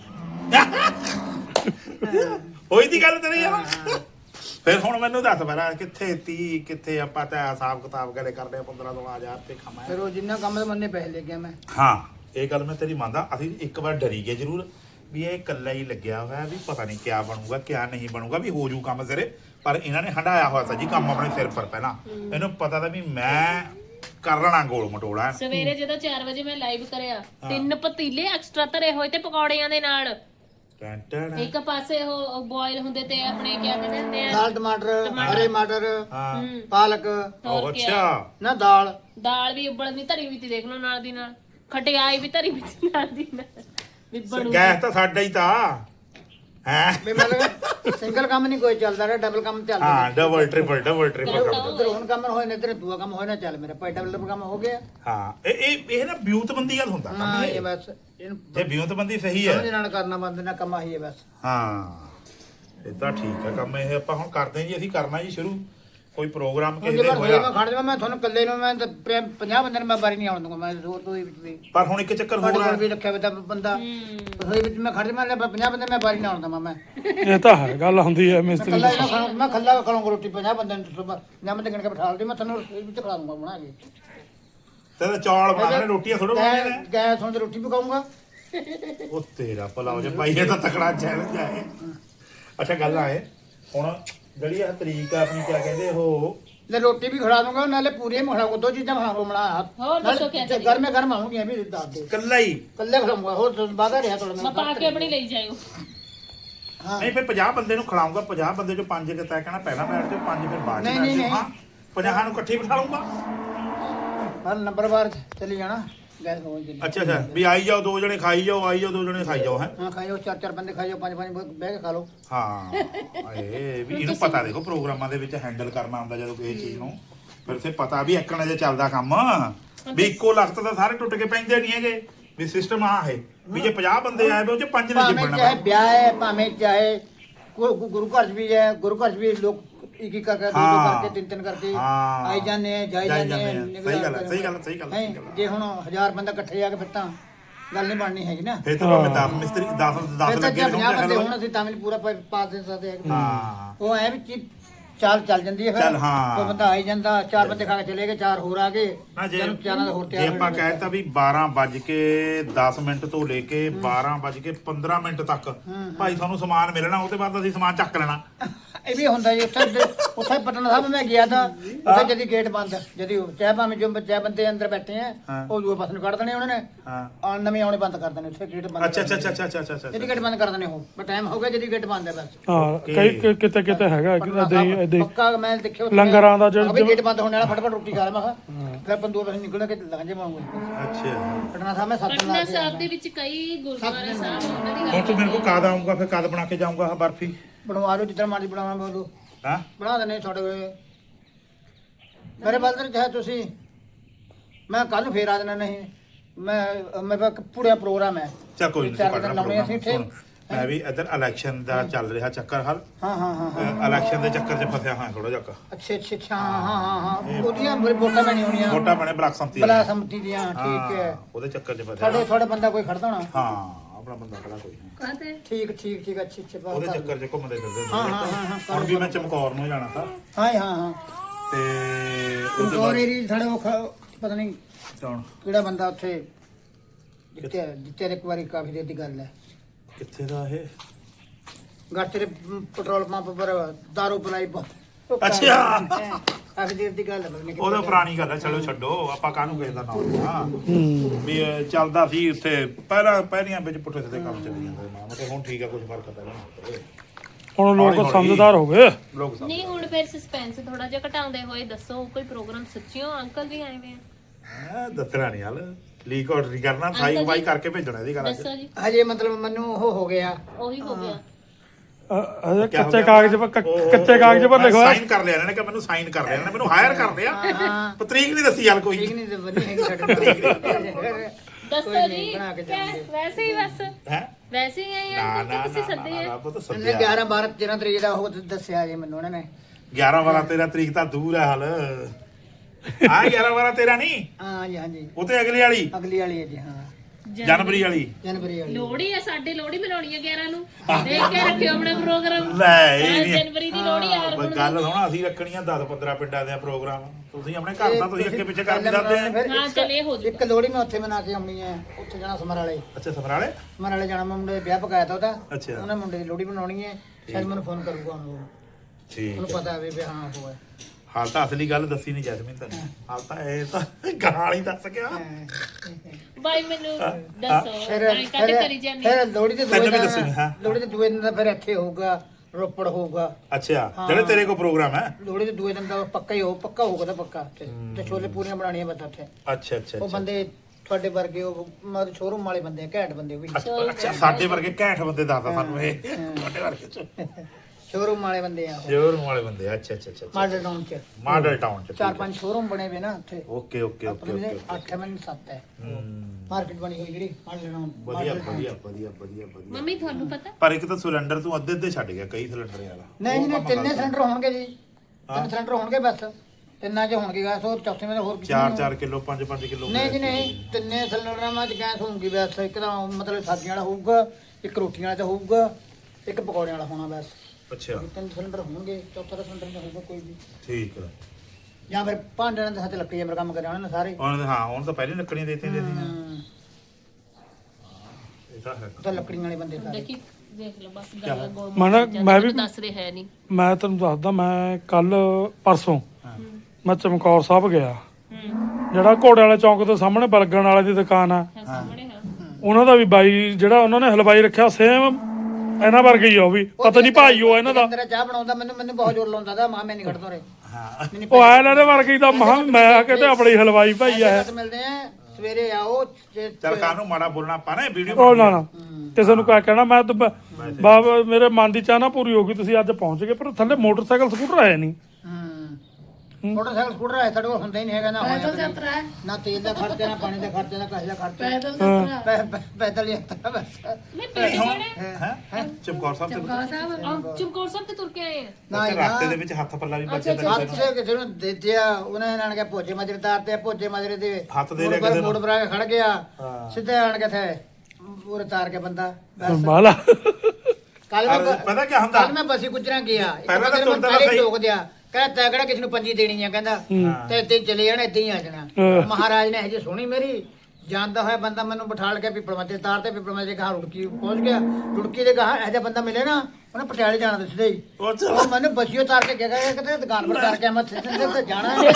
ਹੋਈ ਦੀ ਗੱਲ ਤੇਰੀ ਯਾਰ ਫਿਰ ਹੁਣ ਮੈਨੂੰ ਦੱਸ ਪਹਿਲਾਂ ਕਿੱਥੇ ਤੀਹ ਕਿੱਥੇ ਆਪਾਂ ਤਾਂ ਹਿਸਾਬ ਕਿਤਾਬ ਕਰੇ ਕਰਦੇ ਆ ਪੰਦਰਾਂ ਸੋਲਾਂ ਹਜ਼ਾਰ ਤੇ ਕਮਾਇਆ
ਫਿਰ ਉਹ ਜਿੰਨਾ ਕੰਮ ਦਾ ਮੰਨੇ ਪੈਸੇ ਲੈ ਗਿਆ ਮੈਂ।
ਹਾਂ ਇਹ ਗੱਲ ਮੈਂ ਤੇਰੀ ਮੰਨਦਾ ਅਸੀਂ ਇੱਕ ਵਾਰ ਡਰੀ ਗਏ ਜ਼ਰੂਰ ਵੀ ਇਹ ਇਕੱਲਾ ਹੀ ਲੱਗਿਆ ਹੋਇਆ ਵੀ ਪਤਾ ਨਹੀਂ ਕਿਆ ਬਣੂਗਾ ਕਿਆ ਨਹੀਂ ਬਣੂਗਾ ਵੀ ਹੋ ਜੂ ਕੰਮ ਸਿਰੇ ਪਰ ਇਹਨਾਂ ਨੇ ਹੰਡਾਇਆ ਹੋਇਆ ਸੀ ਜੀ ਕੰਮ ਆਪਣੇ ਸਿਰ ਪਰ ਪਹਿਲਾਂ ਇਹਨੂੰ ਪਤਾ ਤਾਂ ਵੀ ਮੈਂ ਕਰ ਲੈਣਾ ਗੋਲ ਮਟੋਲਾ।
ਸਵੇਰੇ ਜਦੋਂ ਚਾਰ ਵਜੇ ਮੈਂ ਲਾਈਵ ਕਰਿਆ ਤਿੰਨ ਪਤੀਲੇ ਐਕਸਟਰਾ ਧਰੇ ਹੋਏ ਤੇ ਪਕੌੜਿਆਂ ਦੇ ਨਾਲ ਇੱਕ ਪਾਸੇ ਉਹ ਬੋਇਲ ਹੁੰਦੇ ਤੇ ਆਪਣੇ ਕਿਆ ਕਹਿੰਦੇ ਹੁੰਦੇ ਆ
ਦਾਲ ਟਮਾਟਰ ਹਰੇ ਮਟਰ
ਹਾਂ
ਪਾਲਕ
ਉਹ ਅੱਛਾ
ਨਾ ਦਾਲ
ਦਾਲ ਵੀ ਉਬਲਣੀ ਧਰੀ ਵੀ ਤੀ ਦੇਖ ਲਓ ਨਾਲ ਦੀ ਨਾਲ ਖਟਿਆਈ ਵੀ ਧਰੀ ਵੀ ਤੀ ਨਾਲ ਦੀ ਨਾਲ ਵੀ ਬਣੂ
ਗੈਸ ਤਾਂ ਸਾਡਾ ਹੀ ਤਾਂ ਹੈ
ਵੀ ਮਤਲਬ ਸਿੰਗਲ ਕੰਮ ਨਹੀਂ ਕੋਈ ਚੱਲਦਾ ਰਿਹਾ ਡਬਲ ਕੰਮ ਚੱਲਦਾ।
ਹਾਂ ਡਬਲ ਟ੍ਰਿਪਲ ਡਬਲ ਟ੍ਰਿਪਲ ਕੰਮ
ਉਧਰ ਹੁਣ ਕੰਮ ਹੋਏ ਨੇ ਤੇਰੇ ਦੂਆ ਕੰਮ ਹੋਏ ਨਾ ਚੱਲ ਮੇਰਾ ਭਾਈ ਡਬਲ ਕੰਮ ਹੋ ਗਿਆ।
ਹਾਂ ਇਹ ਇਹ ਇਹ ਨਾ ਬਿਊਤਬੰਦੀ ਗੱਲ ਹੁੰਦਾ ਕੰਮ
ਹਾਂ ਇਹ
ਇਹ
ਬਸ ਇਹਨੂੰ
ਜੇ ਬਿਊਤਬੰਦੀ ਸਹੀ ਹੈ
ਸਮਝ ਨਾਲ ਕਰਨਾ ਬੰਦ ਨਾ ਕੰਮ ਆਹੀ ਹੈ ਬਸ।
ਹਾਂ ਇਹ ਤਾਂ ਠੀਕ ਹੈ ਕੰਮ ਇਹ ਆਪਾਂ ਹੁਣ ਕਰਦੇ ਹਾਂ ਜੀ ਅਸੀਂ ਕਰਨਾ ਜੀ ਸ਼ੁਰੂ ਕੋਈ ਪ੍ਰੋਗਰਾਮ ਕਿਸੇ
ਜੇ
ਦੇ
ਮੈਂ
ਹੋਇਆ
ਮੈਂ ਖੜ ਜਾਵਾਂ ਮੈਂ ਤੁਹਾਨੂੰ ਇਕੱਲੇ ਨੂੰ ਮੈਂ ਤਾਂ ਪੰਜਾਹ ਬੰਦੇ ਨੂੰ ਮੈਂ ਬਾਰੀ ਨਹੀਂ ਆਉਣ ਦੂੰਗਾ ਮੈਂ ਜ਼ੋਰ ਤੋਂ ਹੀ ਵਿੱਚ ਵੀ
ਪਰ ਹੁਣ ਇੱਕ ਚੱਕਰ
ਤੁਹਾਡੇ
ਹੋਰ
ਕੋਲ
ਆ
ਵੀ ਰੱਖਿਆ ਹੋਇਆ ਬੰਦਾ ਉਹਦੇ ਵਿੱਚ ਮੈਂ ਖੜ ਜਾਵਾਂ ਪੰਜਾਹ ਬੰਦੇ ਮੈਂ ਬਾਰੀ ਨਹੀਂ ਆਉਣ ਦਵਾਂ ਮੈਂ
ਇਹ ਤਾਂ ਹੈ ਗੱਲ ਹੁੰਦੀ ਹੈ ਮਿਸਤਰੀ
ਕੱਲਾ ਇਹਨਾਂ ਖਾਣਾ ਮੈਂ ਖੱਲਾ ਖਾਵਾਂਗਾ ਰੋਟੀ ਪੰਜਾਹ ਬੰਦੇ ਨੂੰ ਸੁਬਾ ਪੰਜਾਹ ਬੰਦੇ ਗਿਣ ਕੇ ਬਿਠਾ ਲਦੀ ਮੈਂ ਤੁਹਾਨੂੰ ਰਸੋਈ ਵਿੱਚ ਖਿਲਾ ਦੂੰਗਾ ਬਣਾ ਕੇ
ਤੇ ਤਾਂ ਚੌਲ ਬਣਾਉਣੇ ਰੋਟੀਆਂ ਥੋੜਾ ਬਣਾਉਣੇ ਨੇ
ਗੈਸ ਹੁਣ ਤੇ ਰੋਟੀ ਪਕਾਉਂਗਾ
ਉਹ ਤੇਰਾ ਭਲਾ ਹੋ ਜਾ ਭਾਈ ਇਹ ਤਾਂ ਤਕੜਾ ਚੈਲੰਜ ਹੈ ਅੱਛਾ ਗੱਲ ਆਏ ਹੁਣ ਜਿਹੜੀ ਆ ਤਰੀਕ ਆ ਆਪਣੀ ਕਿਆ ਕਹਿੰਦੇ ਉਹ
ਲੈ ਰੋਟੀ ਵੀ ਖਿਲਾ ਦੂੰਗਾ ਨਾਲੇ ਪੂਰੀ ਵੀ ਖਿਲਾਉਂਗਾ ਦੋ ਚੀਜ਼ਾਂ ਖਾਵਾਂਗਾ ਬਣਾ
ਹੋਰ ਦੱਸੋ ਕਿਆ ਕਰੀਏ?
ਗਰਮੇ ਗਰਮ ਆਉਂਗੀਆਂ ਵੀ ਦੱਸ ਦੇ
ਕੱਲਾ ਹੀ
ਕੱਲੇ ਖਿਲਾਉਂਗਾ ਹੋਰ ਬਾਦਾ ਰਿਹਾ ਤੁਹਾਡਾ
ਮੈਂ ਪਾ ਕੇ ਆਪਣੀ ਲਈ ਜਾਇਓ
ਹਾਂ
ਨਹੀਂ ਫਿਰ ਪੰਜਾਹ ਬੰਦੇ ਨੂੰ ਖਿਲਾਉਂਗਾ ਪੰਜਾਹ ਬੰਦੇ ਚੋਂ ਪੰਜ ਕਿ ਤੈਅ ਕਹਿਣਾ ਪਹਿਲਾਂ ਬੈਠ ਤੇ ਪੰਜ ਫਿਰ ਬਾਅਦ ਚ
ਨਹੀਂ,
ਬੈਠ
ਨਹੀਂ,
ਜਾਓ। ਹਾਂ ਪੰਜਾਹਾਂ ਨੂੰ ਇਕੱਠੇ ਬਿਠਾ ਲਊਂਗਾ
ਹਰ ਨੰਬਰ ਵਾਰ ਚਲੀ ਜਾਣਾ ਗੈਸ ਹੋ ਜੀ
ਅੱਛਾ ਅੱਛਾ ਵੀ ਆਈ ਜਾਓ ਦੋ ਜਣੇ ਖਾਈ ਜਾਓ ਆਈ ਜਾਓ ਦੋ ਜਣੇ ਖਾਈ ਜਾਓ ਹੈ
ਹਾਂ ਖਾਇਓ ਚਾਰ ਚਾਰ ਬੰਦੇ ਖਾਇਓ ਪੰਜ ਪੰਜ ਬਹਿ ਕੇ ਖਾ ਲਓ
ਹਾਂ ਏ ਵੀ ਇਹਨੂੰ ਪਤਾ ਦੇਖੋ ਪ੍ਰੋਗਰਾਮਾਂ ਦੇ ਵਿੱਚ ਹੈਂਡਲ ਕਰਨਾ ਹੁੰਦਾ ਜਦੋਂ ਕਿਸੇ ਚੀਜ਼ ਨੂੰ ਫਿਰ ਤੇ ਪਤਾ ਵੀ ਇੱਕਣਾ ਜੇ ਚੱਲਦਾ ਕੰਮ ਵੀ ਇੱਕੋ ਲਖਤ ਤਾਂ ਸਾਰੇ ਟੁੱਟ ਕੇ ਪੈਂਦੇ ਨਹੀਂ ਹੈਗੇ ਵੀ ਸਿਸਟਮ ਆ ਹੈ ਵੀ ਜੇ ਪੰਜਾਹ ਬੰਦੇ ਆਏ ਵੇ ਉਹ ਚ ਪੰਜ ਨੇ
ਭਾਵੇਂ
ਜਿੱਪਣਾ
ਚਾਹੇ ਵਿਆਹ ਹੈ ਭਾਵੇਂ ਚਾਹੇ ਗੁ- ਗੁ- ਗੁਰੂ ਘਰ 'ਚ ਵੀ ਹੈ ਗੁਰੂ ਘਰ 'ਚ ਵੀ ਲੋਕ ਇੱਕ ਇੱਕ ਕਰਕੇ ਦੋ ਦੋ
ਹਾਂ।
ਕਰਕੇ ਤਿੰਨ ਤਿੰਨ ਕਰਕੇ
ਹਾਂ।
ਆਈ ਜਾਂਦੇ ਆ ਜਾਈ
ਜਾਈ
ਜਾਂਦੇ ਆ
ਜਾਂਦੇ ਆ। ਸਹੀ ਗੱਲ ਹੈ, ਸਹੀ ਗੱਲ ਹੈ, ਸਹੀ ਗੱਲ ਹੈ,
ਹੈਂ,
ਸਹੀ ਗੱਲ ਹੈ।
ਜੇ ਹੁਣ ਹਜ਼ਾਰ ਬੰਦਾ ਇਕੱਠੇ ਆ ਕੇ ਫਿਰ ਤਾਂ ਗੱਲ ਨਹੀਂ ਬਣਨੀ ਹੈਗੀ ਨਾ
ਫਿਰ ਤਾਂ ਭਾਵੇਂ ਦਸ ਮਿਸਤਰੀ ਦਸ ਦਸ
ਫਿਰ ਤਾਂ
ਲੱਗੇ
ਜੇ ਪੰਜਾਹ ਬੰਦੇ
ਹੋਣ
ਹੁਣ ਅਸੀਂ ਤਾਂ ਵੀ ਪੂਰਾ ਪਾ ਪਾ ਦੇ ਸਕਦੇ ਹੈਗੇ।
ਹਾਂ
ਉਹ ਐ ਵੀ ਚੀਜ਼ ਚਾਲ ਚੱਲ ਜਾਂਦੀ ਹੈ ਫਿਰ
ਚੱਲ, ਹਾਂ।
ਕੋਈ ਬੰਦਾ ਆਈ ਜਾਂਦਾ ਚਾਰ ਬੰਦੇ ਖਾ ਕੇ ਚਲੇ ਗਏ ਚਾਰ ਹੋਰ ਆ ਗਏ
ਨਾ ਜੇ
ਚੱਲ ਚਾਰਾਂ ਦਾ ਹੋਰ
ਜੇ
ਤਿਆਰ
ਆਪਾਂ
ਹੋ ਜਾਂਦਾ।
ਕਹਿਤਾ ਵੀ ਬਾਰਾਂ ਵੱਜ ਕੇ ਦਸ ਮਿੰਟ ਤੋਂ ਲੈ ਕੇ ਬਾਰਾਂ ਵੱਜ ਕੇ ਪੰਦਰਾਂ ਮਿੰਟ ਤੱਕ ਭਾਈ ਤੁਹਾਨੂੰ ਸਮਾਨ ਮਿਲਣਾ ਉਹ ਤੋਂ ਬਾਅਦ ਅਸੀਂ ਸਮਾਨ ਚੱਕ ਲੈਣਾ
ਇਹ ਵੀ ਹੁੰਦਾ ਜੀ ਉੱਥੇ ਉੱਥੇ ਪਟਨਾ ਸਾਹਿਬ ਮੈਂ ਗਿਆ ਤਾਂ ਉੱਥੇ ਜਦੀ ਗੇਟ ਬੰਦ ਜਦੀ ਚਾਹ ਭਾਵੇਂ ਜੋ ਚਾਹ ਬੰਦੇ ਅੰਦਰ ਬੈਠੇ ਆ
ਹਾਂ।
ਉਹ ਦੂਏ ਪਾਸੇ ਨੂੰ ਕੱਢ ਦੇਣੇ ਉਹਨਾਂ ਨੇ
ਹਾਂ
ਆ ਨਵੇਂ ਆਉਣੇ ਬੰਦ ਕਰ ਦੇਣੇ ਉੱਥੇ ਗੇਟ ਬੰਦ
ਅੱਛਾ ਅੱਛਾ ਅੱਛਾ ਅੱਛਾ ਅੱਛਾ ਅੱਛਾ
ਜਦੀ ਗੇਟ ਬੰਦ ਕਰ ਦੇਣੇ ਉਹ ਪਰ ਟਾਈਮ ਹੋ ਗਿਆ ਜਦੀ ਗੇਟ ਬੰਦ ਹੈ ਬਸ
ਹਾਂ ਕਈ ਕਈ- ਕਿਤੇ ਕਿਤੇ ਹੈਗਾ
ਪਟਨਾ
ਇਦਾਂ ਹੀ
ਸਾਹਿਬ
ਇਦਾਂ ਹੀ
ਪੱਕਾ ਮੈਂ ਦੇਖਿਆ ਉੱਥੇ
ਲੰਗਰਾਂ ਦਾ
ਮੈਂ ਕਿਹਾ ਵੀ
ਜਿਹੜਾ
ਗੇਟ ਬੰਦ ਹੋਣ ਵਾਲਾ ਫਟਾਫਟ ਰੋਟੀ ਖਾ ਲੈ ਮੈਂ ਕਿਹਾ ਫਿਰ ਆਪਾਂ ਦੋ ਪਾਸੇ ਨਿਕਲ ਕੇ ਲੰਘ ਜਾਵਾਂਗੇ
ਅੱਛਾ
ਪਟਨਾ ਸਾਹਿਬ ਮੈਂ ਸੱਤ
ਪਟਨਾ
ਲਾ
ਸਾਹਿਬ ਦੇ ਵਿੱਚ ਕਈ ਗੁਰਦੁਆਰਾ ਸਾਹਿਬ ਉਹਨਾਂ ਦੀ
ਹੁਣ
ਗੱਲ
ਤੂੰ ਮੇਰੇ ਕੋਲ ਕਦ ਆਉਂਗਾ ਫਿਰ ਕਦ ਬਣਾ ਕੇ ਜਾਊਂਗਾ ਆਹ ਬਰਫੀ
ਬਣਵਾ ਲਓ ਜਿੱਦਾਂ ਮਰਜ਼ੀ ਬਣਾਉਣਾ ਬੋਲੋ
ਹਾਂ
ਬਣਾ ਦਨੇ ਤੁਹਾਡੇ ਕੋਲ ਮੇਰੇ ਬਲਦਰ ਚਾਹੇ ਤੁਸੀਂ ਮੈਂ ਕੱਲ ਨੂੰ ਫੇਰ ਆ ਜਾਣਾ ਨਹੀਂ ਮੈਂ ਮੇਰੇ ਕੋਲ ਪੂਰਾ ਪ੍ਰੋਗਰਾਮ ਹੈ
ਚੱਲ ਕੋਈ ਨਹੀਂ
ਚਾਰ
ਪੜਨਾ
ਦਿਨ ਲਾਉਣੇ ਅਸੀਂ ਇੱਥੇ।
ਹੁਣ ਮੈਂ ਵੀ ਇੱਧਰ ਇਲੈਕਸ਼ਨ ਦਾ ਚੱਲ ਰਿਹਾ ਚੱਕਰ ਹਲ
ਹਾਂ ਹਾਂ ਹਾਂ ਹਾਂ
ਇਲੈਕਸ਼ਨ ਦੇ ਚੱਕਰ 'ਚ ਫਸਿਆ ਹੋਇਆ ਥੋੜਾ ਜਿਹਾ
ਅੱਛਾ ਅੱਛਾ ਅੱਛਾ ਹਾਂ ਹਾਂ ਹਾਂ ਹਾਂ ਉਹਦੀਆਂ ਬੜੀ ਵੋਟਾਂ ਲੈਣੀ ਹੋਣੀਆਂ
ਵੋਟਾਂ ਬਣੇ ਬਲਾਕ ਸੰਮਤੀ
ਬਲਾ ਸੰਮਤੀ ਦੀਆਂ ਠੀਕ ਹੈ
ਹਾਂ, ਉਹਦੇ ਚੱਕਰ 'ਚ ਫਸਿਆ
ਤੁਹਾਡੇ ਤੁਹਾਡੇ ਬੰਦਾ ਕੋਈ ਖੜਦਾ ਹੋਣਾ
ਹਾਂ ਆਪਣਾ ਬੰਦਾ ਖੜਾ ਕੋਈ ਨਹੀਂ।
ਕਾਹਤੇ
ਠੀਕ ਠੀਕ ਠੀਕ ਅੱਛੀ ਅੱਛੀ ਬਾਤ
ਉਹਦੇ
ਕਰ।
ਚੱਕਰ 'ਚ ਘੁੰਮਦੇ ਫਿਰਦੇ
ਹਾਂ ਹਾਂ ਹਾਂ ਹਾਂ
ਹੁਣ ਵੀ ਮੈਂ ਚਮਕੌਰ ਨੂੰ ਜਾਣਾ ਤਾਂ
ਹਾਂ ਹਾਂ ਹਾਂ
ਤੇ ਉਹਦੇ
ਹੋਰ
ਬਾਅਦ
ਏਰੀ ਸਾਡੇ ਉਹ ਖ- ਪਤਾ ਨਹੀਂ
ਕੌਣ
ਕਿਹੜਾ ਬੰਦਾ ਉੱਥੇ ਜਿੱਤੇ ਜਿੱਤੇ ਇੱਕ ਵਾਰੀ ਕਾਫੀ ਦੇਰ ਦੀ ਗੱਲ ਹੈ
ਕਿੱਥੇ ਦਾ ਇਹ
ਗੱਟ ਦੇ ਪੈਟਰੋਲ ਪੰਪ ਪਰ ਦਾਰੂ ਪਲਾਈ ਪਾ
ਅੱਛਾ।
ਕਾਫੀ ਦੇਰ ਦੀ ਗੱਲ ਹੈ ਪਤਾ ਨੀ ਕਿੱਥੇ
ਉਹਦਾ ਪੁਰਾਣੀ ਗੱਲ ਹੈ ਚਲੋ ਛੱਡੋ ਆਪਾਂ ਕਾਹਨੂੰ ਕਿਸੇ ਦਾ ਨਾਮ ਲੈਣਾ ਵੀ ਇਹ ਚੱਲਦਾ ਸੀ ਉੱਥੇ ਪਹਿਲਾਂ ਪਹਿਲੀਆਂ ਵਿੱਚ ਪੁੱਠੇ ਸਿੱਧੇ ਕੰਮ ਚੱਲੀ ਜਾਂਦੇ ਨਾ ਮਤਲਬ ਹੁਣ ਠੀਕ ਆ ਕੁਝ ਫਰਕ ਪੈਣਾ
ਹੁਣ
ਹੌਲੀ
ਲੋਕ
ਹੌਲੀ।
ਸਮਝਦਾਰ ਹੋ ਗਏ
ਲੋਕ ਸਮਝ
ਨਹੀਂ ਹੁਣ ਫਿਰ ਸਸਪੈਂਸ ਥੋੜਾ ਜਿਹਾ ਘਟਾਉਂਦੇ ਹੋਏ ਦੱਸੋ ਕੋਈ ਪ੍ਰੋਗਰਾਮ ਸੱਚਿਓ ਅੰਕਲ ਵੀ ਆਏ ਵੇ ਆ
ਹਾਂ ਦੱਸਣਾ ਨਹੀਂ ਹਾਲ ਲੀਕ ਆਊਟ ਨਹੀਂ ਕਰਨਾ ਸਾਈ ਬਾਈ ਕਰਕੇ ਭੇਜਣਾ ਇਹਦੀ ਗੱਲ ਅੱਜ
ਦੱਸੋ ਜੀ
ਹਜੇ ਮਤਲਬ ਮੈਨੂੰ ਉਹ ਹੋ ਗਿਆ
ਉਹੀ ਹੋ ਗਿਆ
ਅ- ਅਜੇ
ਕਿਆ ਹੋ
ਕੱਚੇ
ਗਿਆ?
ਕਾਗਜ਼ ਪਰ ਕ-
ਉਹ-
ਕੱਚੇ ਕਾਗਜ਼ ਪਰ
ਮੈਂ
ਲਿਖਿਆ ਹੋਇਆ
ਸਾਈਨ ਕਰ ਲਿਆ ਇਹਨਾਂ ਨੇ ਕਿ ਮੈਨੂੰ ਸਾਈਨ ਕਰ ਲਿਆ ਇਹਨਾਂ ਨੇ ਮੈਨੂੰ ਹਾਇਰ ਕਰ ਲਿਆ
ਹਾਂ।
ਪਰ ਤਰੀਕ ਨਹੀਂ ਦੱਸੀ ਯਾਰ
ਠੀਕ
ਕੋਈ
ਨਹੀਂ ਤੇ ਬਣੀ ਹੈਗੀ ਸਾਡੇ ਕੋਲ।
ਦੱਸੋ
ਕੋਈ
ਜੀ
ਨਹੀਂ, ਬਣਾ ਕੇ
ਕਿਆ
ਜਾਵਾਂਗੇ।
ਵੈਸੇ ਹੀ ਬਸ
ਹੈ
ਵੈਸੇ ਹੀ ਆਏ
ਨਾ
ਆ
ਨਾ
ਤੁਸੀਂ
ਨਾ
ਸੱਦੇ
ਨਾ
ਆ
ਪੁੱਤ
ਇਹਨੇ
ਸੱਦਿਆ
ਗਿਆਰਾਂ ਬਾਰਾਂ ਤੇਰਾਂ ਤਰੀਕ ਦਾ ਉਹ ਦੱਸਿਆ ਜੀ ਮੈਨੂੰ ਉਹਨਾਂ ਨੇ।
ਗਿਆਰਾਂ ਵਾਲਾ ਤੇਰਾ ਤਰੀਕ ਤਾਂ ਦੂਰ ਹੈ ਹਾਲ ਆ ਗਿਆਰਾਂ ਵਾਲਾ ਤੇਰਾ ਨਹੀਂ
ਹਾਂ ਜੀ ਹਾਂਜੀ
ਉਹ ਤੇ ਅਗਲੀ ਵਾਲੀ
ਅਗਲੀ ਵਾਲੀ ਹੈ ਜੀ ਹਾਂ
ਜਨਵਰੀ ਵਾਲੀ
ਜਨਵਰੀ ਵਾਲੀ
ਲੋਹੜੀ ਆ ਸਾਡੇ ਲੋਹੜੀ ਮਨਾਉਣੀ ਆ ਗਿਆਰਾਂ ਨੂੰ ਦੇਖ ਕੇ ਰੱਖਿਓ ਆਪਣਾ ਪ੍ਰੋਗਰਾਮ
ਲੈ ਇਹ
ਹਾਂ,
ਨਹੀਂ
ਜਨਵਰੀ ਦੀ ਲੋਹੜੀ ਆ
ਬਈ
ਹਰਮਨ
ਗੱਲ ਸੁਣਾ ਅਸੀਂ ਰੱਖਣੀਆਂ ਦਸ ਪੰਦਰਾਂ ਪਿੰਡਾਂ ਦੇ ਪ੍ਰੋਗਰਾਮ ਤੁਸੀਂ ਆਪਣੇ ਘਰ ਦਾ ਤੁਸੀਂ ਅੱਗੇ ਪਿੱਛੇ ਕਰਦੇ ਜਾਂਦੇ ਆ
ਫਿਰ
ਹਾਂ ਚੱਲ ਇਹ ਹੋ ਜੂ
ਇੱਕ ਲੋਹੜੀ ਮੈਂ ਉੱਥੇ ਮਨਾ ਕੇ ਆਉਣੀ ਹੈ ਉੱਥੇ ਜਾਣਾ ਸਮਰ ਵਾਲੇ
ਅੱਛਾ ਸਮਰਾਲੇ
ਸਮਰ ਵਾਲੇ ਜਾਣਾ ਮੈਂ ਮੁੰਡੇ ਦੇ ਵਿਆਹ ਪਕਾਇਆ ਤਾ ਉਹਦਾ
ਅੱਛਾ
ਉਹਨੇ ਮੁੰਡੇ ਦੀ ਲੋਹੜੀ ਬਣਾਉਣੀ ਹੈ ਸ਼ਾਇਦ ਮੈਨੂੰ ਫੋਨ ਕਰੂਗਾ ਉਹਨੂੰ
ਠੀਕ
ਉਹਨੂੰ ਪਤਾ ਵੀ ਹਾਂ ਉਹ ਹੈ
ਹਾਲ ਤਾਂ ਅਸਲੀ ਗੱਲ ਦੱਸੀ ਨਹੀਂ ਜੈਸਮੀਨ ਤੈਨੂੰ ਹਾਲ ਤਾਂ ਇਹ ਤਾਂ ਗਾਲ ਹੀ ਦੱਸ ਗਿਆ
ਬਾਈ ਮੈਨੂੰ ਦੱਸੋ
ਫਿਰ
ਐਂ ਕਾਹਤੇ ਕਰੀ ਜਾਂਦੀ
ਫਿਰ ਲੋਹੜੀ ਦੇ ਦੂਏ
ਤੈਨੂੰ ਵੀ
ਦਿਨ
ਦੱਸੂਗੀ, ਹਾਂ।
ਲੋਹੜੀ ਦੇ ਦੂਏ ਦਿਨ ਦਾ ਫਿਰ ਇੱਥੇ ਹੋਊਗਾ ਰੋਪੜ ਹੋਊਗਾ
ਅੱਛਾ ਜਿਹੜੇ ਤੇਰੇ ਕੋਲ ਪ੍ਰੋਗਰਾਮ ਹੈ
ਲੋਹੜੀ ਦੇ ਦੂਏ ਦਿਨ ਦਾ ਪੱਕਾ ਹੀ ਹੋ ਪੱਕਾ ਹੋਊਗਾ ਤਾਂ ਪੱਕਾ ਉੱਥੇ ਤੇ ਛੋਲੇ ਪੂਰੀਆਂ ਬਣਾਉਣੀਆਂ ਬਤਾ ਉੱਥੇ
ਅੱਛਾ ਅੱਛਾ
ਉਹ
ਅੱਛਾ
ਬੰਦੇ ਤੁਹਾਡੇ ਵਰਗੇ ਉਹ ਮਤਲਬ ਸ਼ੋਰੂਮ ਵਾਲੇ ਬੰਦੇ ਆ, ਘੈਂਟ ਬੰਦੇ ਉਹ ਵੀ
ਅੱਛਾ, ਅੱਛਾ ਸਾਡੇ ਵਰਗੇ ਘੈਂਟ ਬੰਦੇ ਦੱਸਦਾ ਸਾਨੂੰ ਇਹ ਸਾਡੇ ਵਰਗੇ ਚ
ਸ਼ੋਰੂਮ ਵਾਲੇ ਬੰਦੇ ਆ ਉਹ
ਜੋਰ ਵਾਲੇ ਬੰਦੇ ਆ, ਅੱਛਾ ਅੱਛਾ ਅੱਛਾ
ਮਾਡਲ ਟਾਊਨ ਚ
ਮਾਡਲ ਟਾਊਨ ਚ
ਚਾਰ ਪੰਜ ਸ਼ੋਰੂਮ ਬਣੇ ਵੇ ਨਾ ਉੱਥੇ
ਓਕੇ ਓਕੇ ਓਕੇ
ਆਪਣੇ
ਓਕੇ
ਦੇ ਅੱਠ ਹੈ ਮੈਨੂੰ ਸੱਤ ਹੈ
ਹੂੰ।
ਮਾਰਕੀਟ ਬਣੀ ਹੋਈ ਜਿਹੜੀ ਮਾਡਲ ਟਾਊਨ
ਵਧੀਆ ਵਧੀਆ ਵਧੀਆ ਵਧੀਆ ਵਧੀਆ
ਮੰਮੀ ਤੁਹਾਨੂੰ ਪਤਾ
ਪਰ ਇੱਕ ਤਾਂ ਸਿਲੰਡਰ ਤੂੰ ਅੱਧੇ ਅੱਧੇ ਛੱਡ ਗਿਆ ਕਈ ਸਿਲੰਡਰ ਵਾਲਾ
ਨਹੀਂ
ਉਹ
ਨਹੀਂ
ਕੰਮ
ਤਿੰਨੇ
ਗਲਤ ਆ।
ਸਿਲੰਡਰ ਹੋਣਗੇ ਜੀ ਤਿੰਨ ਸਿਲੰਡਰ ਹੋਣਗੇ ਬਸ ਤਿੰਨਾਂ ਚ ਹੋਣਗੇ ਗੈਸ ਹੋਰ ਚੌਥੇ ਵਿੱਚ ਹੋਰ ਕਿਸੇ
ਚਾਰ
ਨੂੰ-
ਚਾਰ ਕਿਲੋ ਪੰਜ ਪੰਜ ਕਿਲੋ
ਨਹੀਂ ਜੀ ਨਹੀਂ ਤਿੰਨੇ ਸਿਲੰਡਰਾਂ ਚ ਗੈਸ ਹੋਊਗੀ ਬਸ ਇੱਕ ਤਾਂ ਮਤਲਬ ਸਬਜ਼ੀਆਂ ਵਾਲਾ ਹੋਊਗਾ ਇੱਕ ਰੋਟੀਆਂ ਵਾਲਾ ਹੋਊਗਾ ਇੱਕ ਪਕੌੜਿਆਂ ਵਾਲਾ ਹੋਣਾ ਬਸ
ਅੱਛਾ
ਤਿੰਨ ਸਿਲੰਡਰ ਹੋਣਗੇ ਚੌਥਾ ਸਿਲੰਡਰ ਨਹੀਂ ਹੋਊਗਾ ਕੋਈ ਵੀ
ਠੀਕ ਆ
ਜਾਂ ਫਿਰ ਭਾਂਡਿਆਂ ਦੇ ਹੱਥ ਲੱਕੜੀ ਪਰ ਕੰਮ ਕਰਿਆ ਉਹਨਾਂ ਨੇ ਸਾਰੇ
ਉਹਨਾਂ ਦੇ ਹਾਂ ਉਹਨਾਂ ਤਾਂ ਪਹਿਲੇ ਲੱਕੜੀਆਂ ਦੇਤੇ ਦੇ ਸੀ
ਹਮ,
ਇਹ ਤਾਂ ਹੈ
ਉਹ ਤਾਂ ਲੱਕੜੀਆਂ ਵਾਲੇ ਬੰਦੇ ਸਾਰੇ
ਦੇਖੀ ਦੇਖ ਲਓ ਬਸ ਗੱਲ ਗੋਲ
ਮੈਂ ਨਾ- ਮੈਂ ਵੀ-
ਦੱਸਦੇ ਹੈ ਨਹੀਂ
ਮੈਂ ਤੈਨੂੰ ਦੱਸਦਾ ਮੈਂ ਕੱਲ ਪਰਸੋਂ ਮੈਂ ਚਮਕੌਰ ਸਾਹਿਬ ਗਿਆ
ਹੂੰ
ਜਿਹੜਾ ਘੋੜੇ ਵਾਲੇ ਚੌਂਕ ਦੇ ਸਾਹਮਣੇ ਬਲਗਣ ਵਾਲੇ ਦੀ ਦੁਕਾਨ ਆ
ਹਾਂ ਸਾਹਮਣੇ ਹਾਂ
ਉਹਨਾਂ ਦਾ ਵੀ ਬਾਈ ਜਿਹੜਾ ਉਹਨਾਂ ਨੇ ਹਲਵਾਈ ਰੱਖਿਆ ਸੇਮ ਇਹਨਾਂ ਵਰਗਾ ਹੀ ਆ ਉਹ ਵੀ ਪਤਾ ਨਹੀਂ ਭਾਈ ਉਹ ਇਹਨਾਂ ਦਾ
ਤੇਰਾ ਚਾਹ ਬਣਾਉਂਦਾ ਮੈਨੂੰ ਮੈਨੂੰ ਬਹੁਤ ਜ਼ੋਰ ਲਾਉਂਦਾ ਦਾ ਮਾਂ ਮੈਂ ਨਹੀਂ ਖੜਦਾ ਰੇ
ਹਾਂ
ਨਹੀਂ
ਉਹ ਆਇਆ ਇਹਦੇ ਵਰਗਾ ਹੀ ਤਾਂ ਮਹਾ ਮੈਂ ਕਿਤੇ ਆਪਣੀ ਹਲਵਾਈ ਭਾਈ ਆ
ਪੈਸੇ ਮਿਲਦੇ ਆ ਸਵੇਰੇ ਆਓ ਜੇ-
ਚਲ ਕਾਨੂੰ ਮਾੜਾ ਬੋਲਣਾ ਪਾ ਨਾ ਵੀਡੀਓ
ਉਹ ਨਾ ਨਾ ਕਿਸੇ ਨੂੰ ਕਿਆ ਕਹਿਣਾ ਮੈਂ ਤਾਂ ਬ- ਬਾਬਾ ਮੇਰੇ ਮਨ ਦੀ ਚਾਹ ਨਾ ਪੂਰੀ ਹੋ ਗਈ ਤੁਸੀਂ ਅੱਜ ਪਹੁੰਚ ਗਏ ਪਰ ਥੱਲੇ ਮੋਟਰਸਾਈਕਲ ਸਕੂਟਰ ਆਇਆ ਨਹੀਂ
ਹੂੰ ਮੋਟਰਸਾਈਕਲ ਸਕੂਟਰ ਹੈ ਸਾਡੇ ਕੋਲ ਹੁੰਦਾ ਹੀ ਨਹੀਂ ਹੈਗਾ ਨਾ ਹੋਇਆ
ਪੈਦਲ
ਕਦੇ।
ਯਾਤਰਾ ਹੈ
ਨਾ ਤੇਲ ਦਾ ਖਰਚਾ ਨਾ ਪਾਣੀ ਦਾ ਖਰਚਾ ਨਾ ਕਿਸੇ ਦਾ ਖਰਚਾ
ਪੈਦਲ ਯਾਤਰਾ
ਪੈ- ਪੈ- ਪੈਦਲ ਯਾਤਰਾ ਬਸ
ਮੈਂ ਪਿੰਡ ਕਿਹੜੇ
ਹੈ ਚਮਕੌਰ ਸਾਹਿਬ ਤੇ
ਚਮਕੌਰ ਸਾਹਿਬ
ਆ ਚਮਕੌਰ ਸਾਹਿਬ ਤੇ ਤੁਰ ਕੇ ਆਏ ਆ
ਨਾ
ਉੱਥੇ
ਹੀ ਨਾ
ਰਸਤੇ ਦੇ ਵਿੱਚ ਹੱਥ ਪੱਲਾ ਵੀ ਬੱਚੇ ਦਾ
ਹੱਥ ਸੇ ਕਿਸੇ ਨੂੰ ਦੇ ਦਿਆ ਉਹਨੇ ਇਹਨਾਂ ਨੇ ਕਿਹਾ ਭੋਜੇ ਮਾਜਰੇ ਤਾਰਤੇ ਆ, ਭੋਜੇ ਮਾਜਰੇ ਦੇ
ਹੱਥ ਦੇ ਲਿਆ
ਮੋੜ
ਕਿਸੇ ਨੂੰ।
ਮੋੜ ਬਰਾ ਕੇ ਖੜ ਗਿਆ
ਹਾਂ।
ਸਿੱਧੇ ਆਣ ਕੇ ਥੇ ਪੂਰੇ ਤਾਰ ਕੇ ਬੰਦਾ ਬਸ
ਬਾਲਾ
ਕੱਲ ਮੈਂ
ਅਰੇ ਪਤਾ ਕੀ ਹੁੰਦਾ?
ਕੱਲ ਮੈਂ ਬਸੀ ਗੁਜਰਾਂ ਗਿਆ ਇੱਕ
ਪਹਿਲਾਂ ਤਾਂ
ਬੰਦੇ ਨੇ
ਤੁਰਦਾ
ਮੈਨੂੰ ਪਹਿਲੇ
ਸਹੀ।
ਟੋਕ ਦਿਆ ਕਹਿੰਦਾ ਤੈ ਕਿਹੜਾ ਕਿਸੇ ਨੂੰ ਪੰਜੀ ਦੇਣੀ ਆ ਕਹਿੰਦਾ ਤੇ ਇੱਦਾਂ ਹੀ ਚਲੇ ਜਾਣਾ ਇੱਦਾਂ ਹੀ ਆ ਜਾਣਾ
ਹਾਂ।
ਮਹਾਰਾਜ ਨੇ ਹਜੇ ਸੁਣੀ ਮੇਰੀ ਜਾਣਦਾ ਹੋਇਆ ਬੰਦਾ ਮੈਨੂੰ ਬਿਠਾਲ ਕੇ ਪਿਪਲ ਮੱਤੇ ਤਾਰ ਤੇ ਪਿਪਲ ਮੱਤੇ ਘਰ ਰੁੜਕੀ ਪਹੁੰਚ ਗਿਆ ਰੁੜਕੀ ਦੇ ਗਾਹ ਇਹੋ ਜਿਹਾ ਬੰਦਾ ਮਿਲੇ ਨਾ ਉਹਨੇ ਪਟਿਆਲੇ ਜਾਣਾ ਤੇ ਸਿੱਧੇ ਹੀ
ਉਹ ਚੱਲ।
ਉਹ ਮੈਨੂੰ ਬਸੀਓ ਤਾਰ ਕੇ ਗਿਆ ਕਿ ਕਿਤੇ ਦੁਕਾਨ ਪਰ ਤਾਰ ਕੇ ਮੈਂ ਸਿੱਧੇ ਤੇ ਜਾਣਾ ਹੈ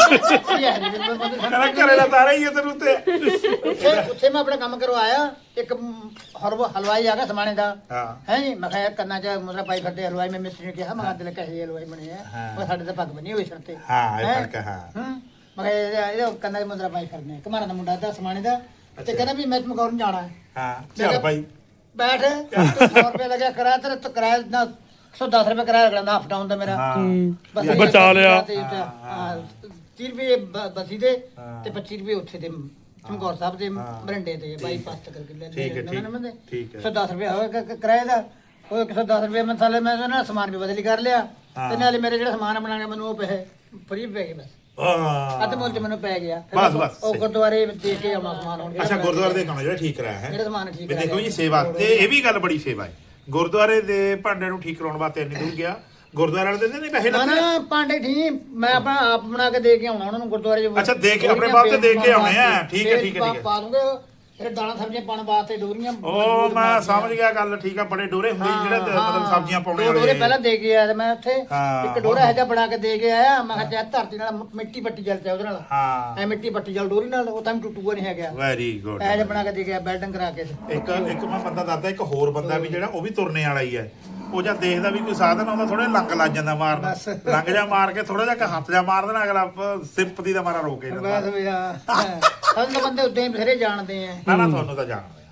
ਕਹਿੰਦਾ ਘਰੇ ਦਾ ਤਾਰਾ ਹੀ ਹੈ ਤੈਨੂੰ ਤੇ
ਉੱਥੇ ਉੱਥੇ ਮੈਂ ਆਪਣਾ ਕੰਮ ਕਰਵਾਇਆ ਇੱਕ ਹਰਵਾ ਹਲਵਾਈ ਆ ਗਿਆ ਸਮਾਣੇ ਦਾ
ਹਾਂ
ਹੈ ਜੀ ਮੈਂ ਕਿਹਾ ਯਾਰ ਕੰਨਾਂ ਚ ਮੁੰਦਰਾ ਪਾਈ ਫਿਰਦੇ ਹਲਵਾਈ ਮੈਂ ਮਿਸਤਰੀ ਨੂੰ ਕਿਹਾ ਮੈਂ ਕਿਹਾ ਦਿਲ ਕਹੇ ਹਲਵਾਈ ਬਣੇ ਆ
ਹਾਂ।
ਉਹ ਸਾਡੇ ਤਾਂ ਪੱਗ ਬਣੀ ਹੋਈ ਸਿਰ ਤੇ
ਹਾਂ ਇਹ
ਹੈਂ?
ਫਰਕ ਹੈ ਹਾਂ
ਹੂੰ ਮੈਂ ਕਿਹਾ ਇਹਦੇ- ਇਹਦੇ ਕੰਨਾਂ 'ਚ ਮੁੰਦਰਾ ਪਾਈ ਫਿਰਦੇ ਆ ਕਮਾਰਾ ਦਾ ਮੁੰਡਾ ਦਾ ਸਮਾਣੇ ਦਾ ਤੇ ਕਹਿੰਦਾ ਵੀ ਮੈਂ ਚਮਕੌਰ ਨੂੰ ਜਾਣਾ ਹੈ
ਹਾਂ
ਮੈਂ
ਚੱਲ
ਕਿਹਾ,
ਭਾਈ
ਬੈਠ ਸੌ ਰੁਪਏ ਲੱਗਿਆ ਕਿਰਾਇਆ ਤੇਰਾ ਤਾਂ ਕਿਰਾਇਆ ਨਾ ਇੱਕ ਸੌ ਦਸ ਰੁਪਏ ਕਿਰਾਇਆ ਲੱਗਦਾ ਹਾਫ ਡਾਊਨ ਦਾ ਮੇਰਾ
ਹਾਂ
ਬਸ
ਹੂੰ, ਬਚਾ ਲਿਆ
ਤੇ ਉੱਥੇ, ਹਾਂ, ਤੀਹ ਰੁਪਏ ਬ- ਬਸੀ ਦੇ ਤੇ ਪੱਚੀ ਰੁਪਏ ਉੱਥੇ ਦੇ ਚਮਕੌਰ ਸਾਹਿਬ ਦੇ ਬਰੰਡੇ ਤੇ ਬਾਈਪਾਸ ਤੱਕ ਕਰਕੇ ਲੈ
ਠੀਕ ਹੈ, ਠੀਕ-
ਠੀਕ
ਠੀਕ ਹੈ।
ਇੱਕ ਸੌ ਦਸ ਰੁਪਏ ਹੋਇਆ ਕ- ਕਿਰਾਏ ਦਾ ਉਹ ਇੱਕ ਸੌ ਦਸ ਰੁਪਏ ਮਸਾਲੇ ਮੈਂ ਨਾ ਸਮਾਨ ਵੀ ਬਦਲੀ ਕਰ ਲਿਆ ਤੇ ਨਾਲੇ ਮੇਰੇ ਜਿਹੜਾ ਸਮਾਨ ਬਣਾਇਆ ਮੈਨੂੰ ਉਹ ਪੈਸੇ ਫਰੀ ਪੈ ਗਏ ਬਸ
ਹਾਂ
ਅੱਧ ਮੁੱਲ ਚ ਮੈਨੂੰ ਪੈ ਗਿਆ ਫਿਰ
ਬਸ,
ਉਹ-
ਬਸ,
ਉਹ
ਸਹੀ।
ਗੁਰਦੁਆਰੇ ਦੇ ਕੇ ਆਉਣਾ ਸਮਾਨ ਹੁਣ ਜਿਹੜਾ
ਅੱਛਾ
ਮੈਂ-
ਗੁਰਦੁਆਰੇ ਦੇ ਕੰਮ ਜਿਹੜਾ ਠੀਕ ਕਰਾਇਆ ਹੈ
ਜਿਹੜਾ ਸਮਾਨ ਠੀਕ
ਵੀ ਦੇਖੋ
ਕਰਾਇਆ।
ਜੀ ਸੇਵਾ ਤੇ ਇਹ ਵੀ ਗੱਲ ਬੜੀ ਸੇਵਾ ਹੈ ਗੁਰਦੁਆਰੇ ਦੇ ਭਾਂਡੇ ਨੂੰ ਠੀਕ ਕਰਾਉਣ ਵਾਸਤੇ ਇੰਨੀ ਦੂਰ ਗਿਆ ਗੁਰਦੁਆਰੇ ਵਾਲੇ ਦਿੰਦੇ ਨਹੀਂ ਪੈਸੇ
ਨਾ
ਲੱਗਦੇ
ਨਾ ਪਾਂਡੇ ਠੀਕ ਮੈਂ ਆਪਣਾ ਆਪ ਬਣਾ ਕੇ ਦੇ ਕੇ ਆਉਣਾ ਉਹਨਾਂ ਨੂੰ ਗੁਰਦੁਆਰੇ ਚ
ਅੱਛਾ, ਦੇ ਕੇ ਆਪਣੇ ਬਾਪ ਤੇ ਦੇ ਕੇ ਆਉਣੇ ਆ। ਠੀਕ ਹੈ, ਠੀਕ ਹੈ, ਠੀਕ ਹੈ।
ਪਾ ਦੂੰਗੇ ਫਿਰ ਦਾਣਾ ਸਬਜ਼ੀਆਂ ਪਾਉਣ ਵਾਸਤੇ ਡੋਰੀਆਂ
ਉਹ ਮੈਂ ਸਮਝ ਗਿਆ ਗੱਲ ਠੀਕ ਆ ਬੜੇ ਡੋਰੇ ਹੁੰਦੇ ਸੀ ਜਿਹੜੇ ਤੇ ਮਤਲਬ ਸਬਜ਼ੀਆਂ ਪਾਉਣੇ
ਦੋ ਡੋਰੇ
ਵਾਲੇ
ਪਹਿਲਾਂ ਦੇ ਕੇ ਆਇਆ ਤੇ ਮੈਂ ਉੱਥੇ
ਹਾਂ,
ਇੱਕ ਡੋਰਾ ਇਹੋ ਜਿਹਾ ਬਣਾ ਕੇ ਦੇ ਕੇ ਆਇਆ ਮੈਂ ਕਿਹਾ ਚੱਲ ਧਰਤੀ ਨਾਲ ਮਿੱਟੀ ਪੱਟੀ ਜਲ ਚਾ ਉਹਦੇ ਨਾਲ
ਹਾਂ
ਐ ਮਿੱਟੀ ਪੱਟੀ ਜਲ ਡੋਰੀ ਨਾਲ ਉਹ ਤਾਂ ਵੀ ਟੁੱਟੂਗਾ ਨਹੀਂ ਹੈਗਾ
ਵੈਰੀ ਗੁੱਡ
ਇਹੋ ਜਿਹਾ ਬਣਾ ਕੇ ਦੇ ਕੇ ਆਇਆ ਬੈਲਡਿੰਗ ਕਰਾ ਕੇ
ਇੱਕ ਇੱਕ ਮੈਂ ਬੰਦਾ ਦੱਸਦਾ ਇੱਕ ਹੋਰ ਬੰਦਾ ਵੀ ਜਿਹੜਾ ਉਹ ਵੀ ਤੁਰਨੇ ਵਾਲਾ ਹੀ ਹੈ ਉਹ ਜਦ ਦੇਖਦਾ ਵੀ ਕੋਈ ਸਾਧਨ ਆਉਂਦਾ ਥੋੜਾ ਲੰਗ ਲੱਗ ਜਾਂਦਾ ਮਾਰਨ
ਬਸ।
ਲੰਗ ਜਾ ਮਾਰ ਕੇ ਥੋੜਾ ਜਿਹਾ ਹੱਥ ਜਾ ਮਾਰ ਦੇਣਾ ਅਗਲਾ ਸਿੰਪਤੀ ਦਾ ਮਾਰਾ ਰੋਕ ਕੇ
ਬਸ
ਦਿੰਦਾ
ਵੀ ਆ ਸਾਨੂੰ ਤਾਂ ਬੰਦੇ ਉਦਾਂ ਹੀ ਬਥੇਰੇ ਜਾਣਦੇ ਆ
ਨਾ ਨਾ ਤੁਹਾਨੂੰ ਤਾਂ ਜਾਣਦੇ ਆ।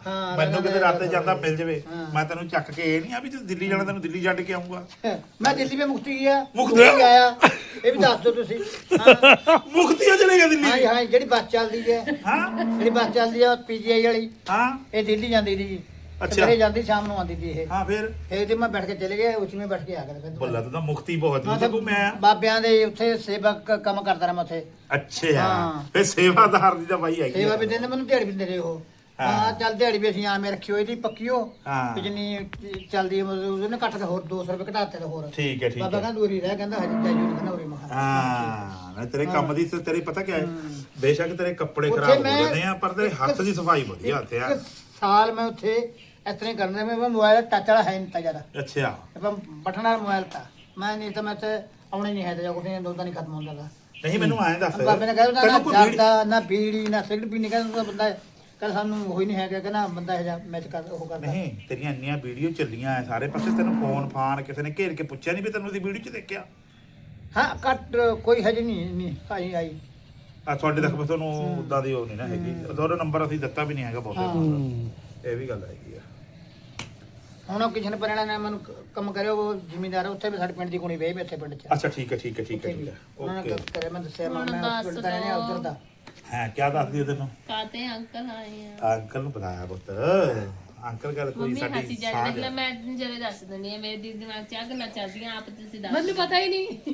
ਹਾਂ,
ਮੈਨੂੰ ਕਿਤੇ ਰਾਤੇ ਜਾਂਦਾ ਮਿਲ ਜਵੇ
ਹਾਂ।
ਮੈਂ ਤੈਨੂੰ ਚੱਕ ਕੇ ਇਹ ਨਹੀਂ ਆ ਵੀ ਤੂੰ ਦਿੱਲੀ ਜਾਣਾ ਤੈਨੂੰ ਦਿੱਲੀ ਛੱਡ ਕੇ ਆਉਂਗਾ
ਮੈਂ ਦਿੱਲੀ ਵਿੱਚ ਮੁਕਤੀ ਗਿਆ
ਮੁਕਤੀ?
ਆਇਆ ਇਹ ਵੀ ਦੱਸ ਦਿਓ ਤੁਸੀਂ ਹਾਂ
ਮੁਕਤੀਆ ਚਲੇਗਾ
ਹਾਂ
ਦਿੱਲੀ
ਹਾਂ ਜਿਹੜੀ ਬੱਸ ਚੱਲਦੀ ਹੈ
ਹਾਂ
ਜਿਹੜੀ ਬੱਸ ਚੱਲਦੀ ਹੈ ਪੀਜੀਆਈ ਵਾਲੀ
ਹਾਂ
ਇਹ ਦਿੱਲੀ ਜਾਂਦੀ ਸੀ
ਅੱਛਾ।
ਸਵੇਰੇ ਜਾਂਦੀ ਸ਼ਾਮ ਨੂੰ ਆਉਂਦੀ ਸੀ ਇਹ
ਹਾਂ ਫਿਰ
ਫਿਰ ਤੇ ਮੈਂ ਬੈਠ ਕੇ ਚਲੇ ਗਿਆ ਉਸ ਵਿੱਚ ਬੈਠ ਕੇ ਆ ਗਿਆ ਫਿਰ
ਬੱਲਾ ਤੂੰ ਤਾਂ ਮੁਕਤੀ ਬਹੁਤ
ਹਾਂ,
ਦੂਰ ਤੇ ਘੁੰਮਿਆ
ਬਾਬਿਆਂ ਦੇ ਉੱਥੇ ਸੇਵਕ ਕੰਮ ਕਰਦਾ ਰਿਹਾ ਮੈਂ ਉੱਥੇ
ਅੱਛਾ
ਹਾਂ।
ਫਿਰ ਸੇਵਾਦਾਰ ਦੀ ਤਾਂ ਬਾਈ ਹੈਗੀ
ਸੇਵਾ
ਆ।
ਵੀ ਦਿੰਦੇ ਮੈਨੂੰ ਦਿਹਾੜੀ ਵੀ ਦਿੰਦੇ ਰਹੇ ਉਹ
ਹਾਂ।
ਹਾਂ ਚੱਲ ਦਿਹਾੜੀ ਵੀ ਅਸੀਂ ਆਵੇਂ ਰੱਖੀ ਹੋਈ ਦੀ ਪੱਕੀ ਉਹ
ਹਾਂ।
ਵੀ ਜਿੰਨੀ ਚੱਲਦੀ ਹੈ ਮਤਲਬ ਉਹਨੇ ਘੱਟ ਤੇ ਹੋਰ ਦੋ ਸੌ ਰੁਪਏ ਘਟਾਤੇ ਤੇ ਹੋਰ
ਠੀਕ ਹੈ ਠੀਕ
ਬਾਬਾ
ਹੈ
ਕਹਿੰਦਾ ਦੂਰੀ ਰਹਿ ਕਹਿੰਦਾ ਹਜੇ ਜਾਈਓ ਨਹੀਂ ਕਹਿੰਦਾ ਉਰੇ ਮਹਾ
ਹਾਂ ਨਾ ਤੇਰੇ ਕੰਮ ਦੀ ਤੇ ਤੇਰੇ ਪਤਾ ਕਿਆ ਹੈ ਬੇਸ਼ੱਕ ਤੇਰੇ ਕੱਪੜੇ
ਉੱਥੇ
ਖਰਾਬ ਹੋ
ਮੈਂ
ਜਾਂਦੇ ਆ ਪਰ ਤੇਰੇ ਹੱਥ ਦੀ ਸਫਾਈ ਵਧੀਆ ਹੱਥ ਆ
ਇੱਕ ਸਾਲ ਮੈਂ ਉੱਥੇ ਇਸ ਤਰ੍ਹਾਂ ਹੀ ਕਰਨਾ ਮੈਂ ਮੋਬਾਈਲ ਟੱਚ ਵਾਲਾ ਹੈ ਨਹੀਂ ਤਾਂ ਜ਼ਿਆਦਾ
ਅੱਛਾ
ਆਪਾਂ ਬਟਨ ਵਾਲਾ ਮੋਬਾਈਲ ਤਾਂ ਮੈਂ ਨਹੀਂ ਤਾਂ ਮੈਂ ਤੇ ਆਉਣਾ ਹੀ ਨਹੀਂ ਹੈ ਤੇ ਕੋਈ ਦੋ ਤਾਂ ਨਹੀਂ ਖਤਮ ਹੁੰਦਾ ਦਾ
ਨਹੀਂ ਮੈਨੂੰ ਐਂ ਦੱਸ
ਬਾਬੇ ਨੇ ਕਹਿੰਦਾ ਨਾ
ਤੈਨੂੰ ਕੋਈ ਵੀਡੀਓ-
ਜਰਦਾ ਨਾ ਬੀੜੀ ਨਾ ਸਿਗਰਟ ਪੀਣੀ ਕਹਿੰਦਾ ਬੰਦਾ ਕਹਿੰਦਾ ਸਾਨੂੰ ਹੋਈ ਨਹੀਂ ਹੈਗਾ ਕਹਿੰਦਾ ਬੰਦਾ ਇਹ ਜਾ ਮੈਚ ਕਰ ਉਹ ਕਰਦਾ
ਨਹੀਂ ਤੇਰੀਆਂ ਇੰਨੀਆਂ ਵੀਡੀਓ ਚੱਲੀਆਂ ਐ ਸਾਰੇ ਪਾਸੇ ਤੈਨੂੰ ਫੋਨ ਫਾਨ ਕਿਸੇ ਨੇ ਘੇਰ ਕੇ ਪੁੱਛਿਆ ਨਹੀਂ ਵੀ ਤੈਨੂੰ ਉਹਦੀ ਵੀਡੀਓ 'ਚ ਦੇਖਿਆ
ਹਾਂ ਕੱਟ ਕੋਈ ਹਜੇ ਨਹੀਂ ਨਹੀਂ ਆਈ ਆਈ
ਆ ਤੁਹਾਡੇ ਤੱਕ ਬਸ ਤੁਹਾਨੂੰ ਉਦਾਂ ਦੀ ਉਹ ਨਹੀਂ ਨਾ ਹੈਗੀ ਉਹਦਾ ਨੰਬਰ ਅਸੀਂ ਦਿੱਤਾ ਵੀ ਨਹੀਂ ਹੈਗਾ ਬਹੁਤੇ ਇਹ ਵੀ ਗੱਲ ਹੈਗੀ ਆ
ਹੁਣ ਉਹ ਕਿਸੇ ਨੇ ਪਰਣਾ ਨੇ ਮੈਨੂੰ ਕ- ਕੰਮ ਕਰਿਓ ਉਹ ਜ਼ਿਮੀਂਦਾਰ ਆ, ਉੱਥੇ ਵੀ ਸਾਡੇ ਪਿੰਡ ਦੀ ਕੁੜੀ ਵੇਈ ਵੀ ਇੱਥੇ ਪਿੰਡ 'ਚ
ਅੱਛਾ ਠੀਕ ਹੈ ਠੀਕ ਹੈ ਠੀਕ ਹੈ
ਉੱਥੇ ਵੀ
ਠੀਕ ਹੈ
ਉਹਨਾਂ ਨੇ
ਓਕੇ
ਕਰਿਆ ਮੈਂ ਦੱਸਿਆ ਮੈਂ
ਹੁਣ
ਮੈਂ
ਦੱਸ
ਪਿੰਡ ਦਾ ਰਹਿਣਾ
ਦਿਓ।
ਉੱਧਰ ਦਾ
ਹਾਂ ਕੀ ਦੱਸਦੀ ਉਹ ਤੈਨੂੰ
ਕਾਤੇ ਅੰਕਲ ਆਏ ਆ
ਅੰਕਲ ਨੂੰ ਪਤਾਇਆ ਪੁੱਤ ਅੰਕਲ ਗੱਲ ਕੋਈ
ਮੰਮੀ
ਸਾਡੀ
ਹੱਸੀ ਜਾ
ਸਾਂਝ
ਰਹੀ
ਹੈ।
ਹੈ ਮੈਂ ਜਰੇ ਦੱਸ ਦਿੰਦੀ ਆ ਮੇਰੇ ਦੀ ਦਿਮਾਗ 'ਚ ਆ ਗੱਲਾਂ ਚੱਲਦੀਆਂ ਆਪ ਤੁਸੀਂ ਦੱਸ
ਮੈਨੂੰ ਪਤਾ ਹੀ ਨਹੀਂ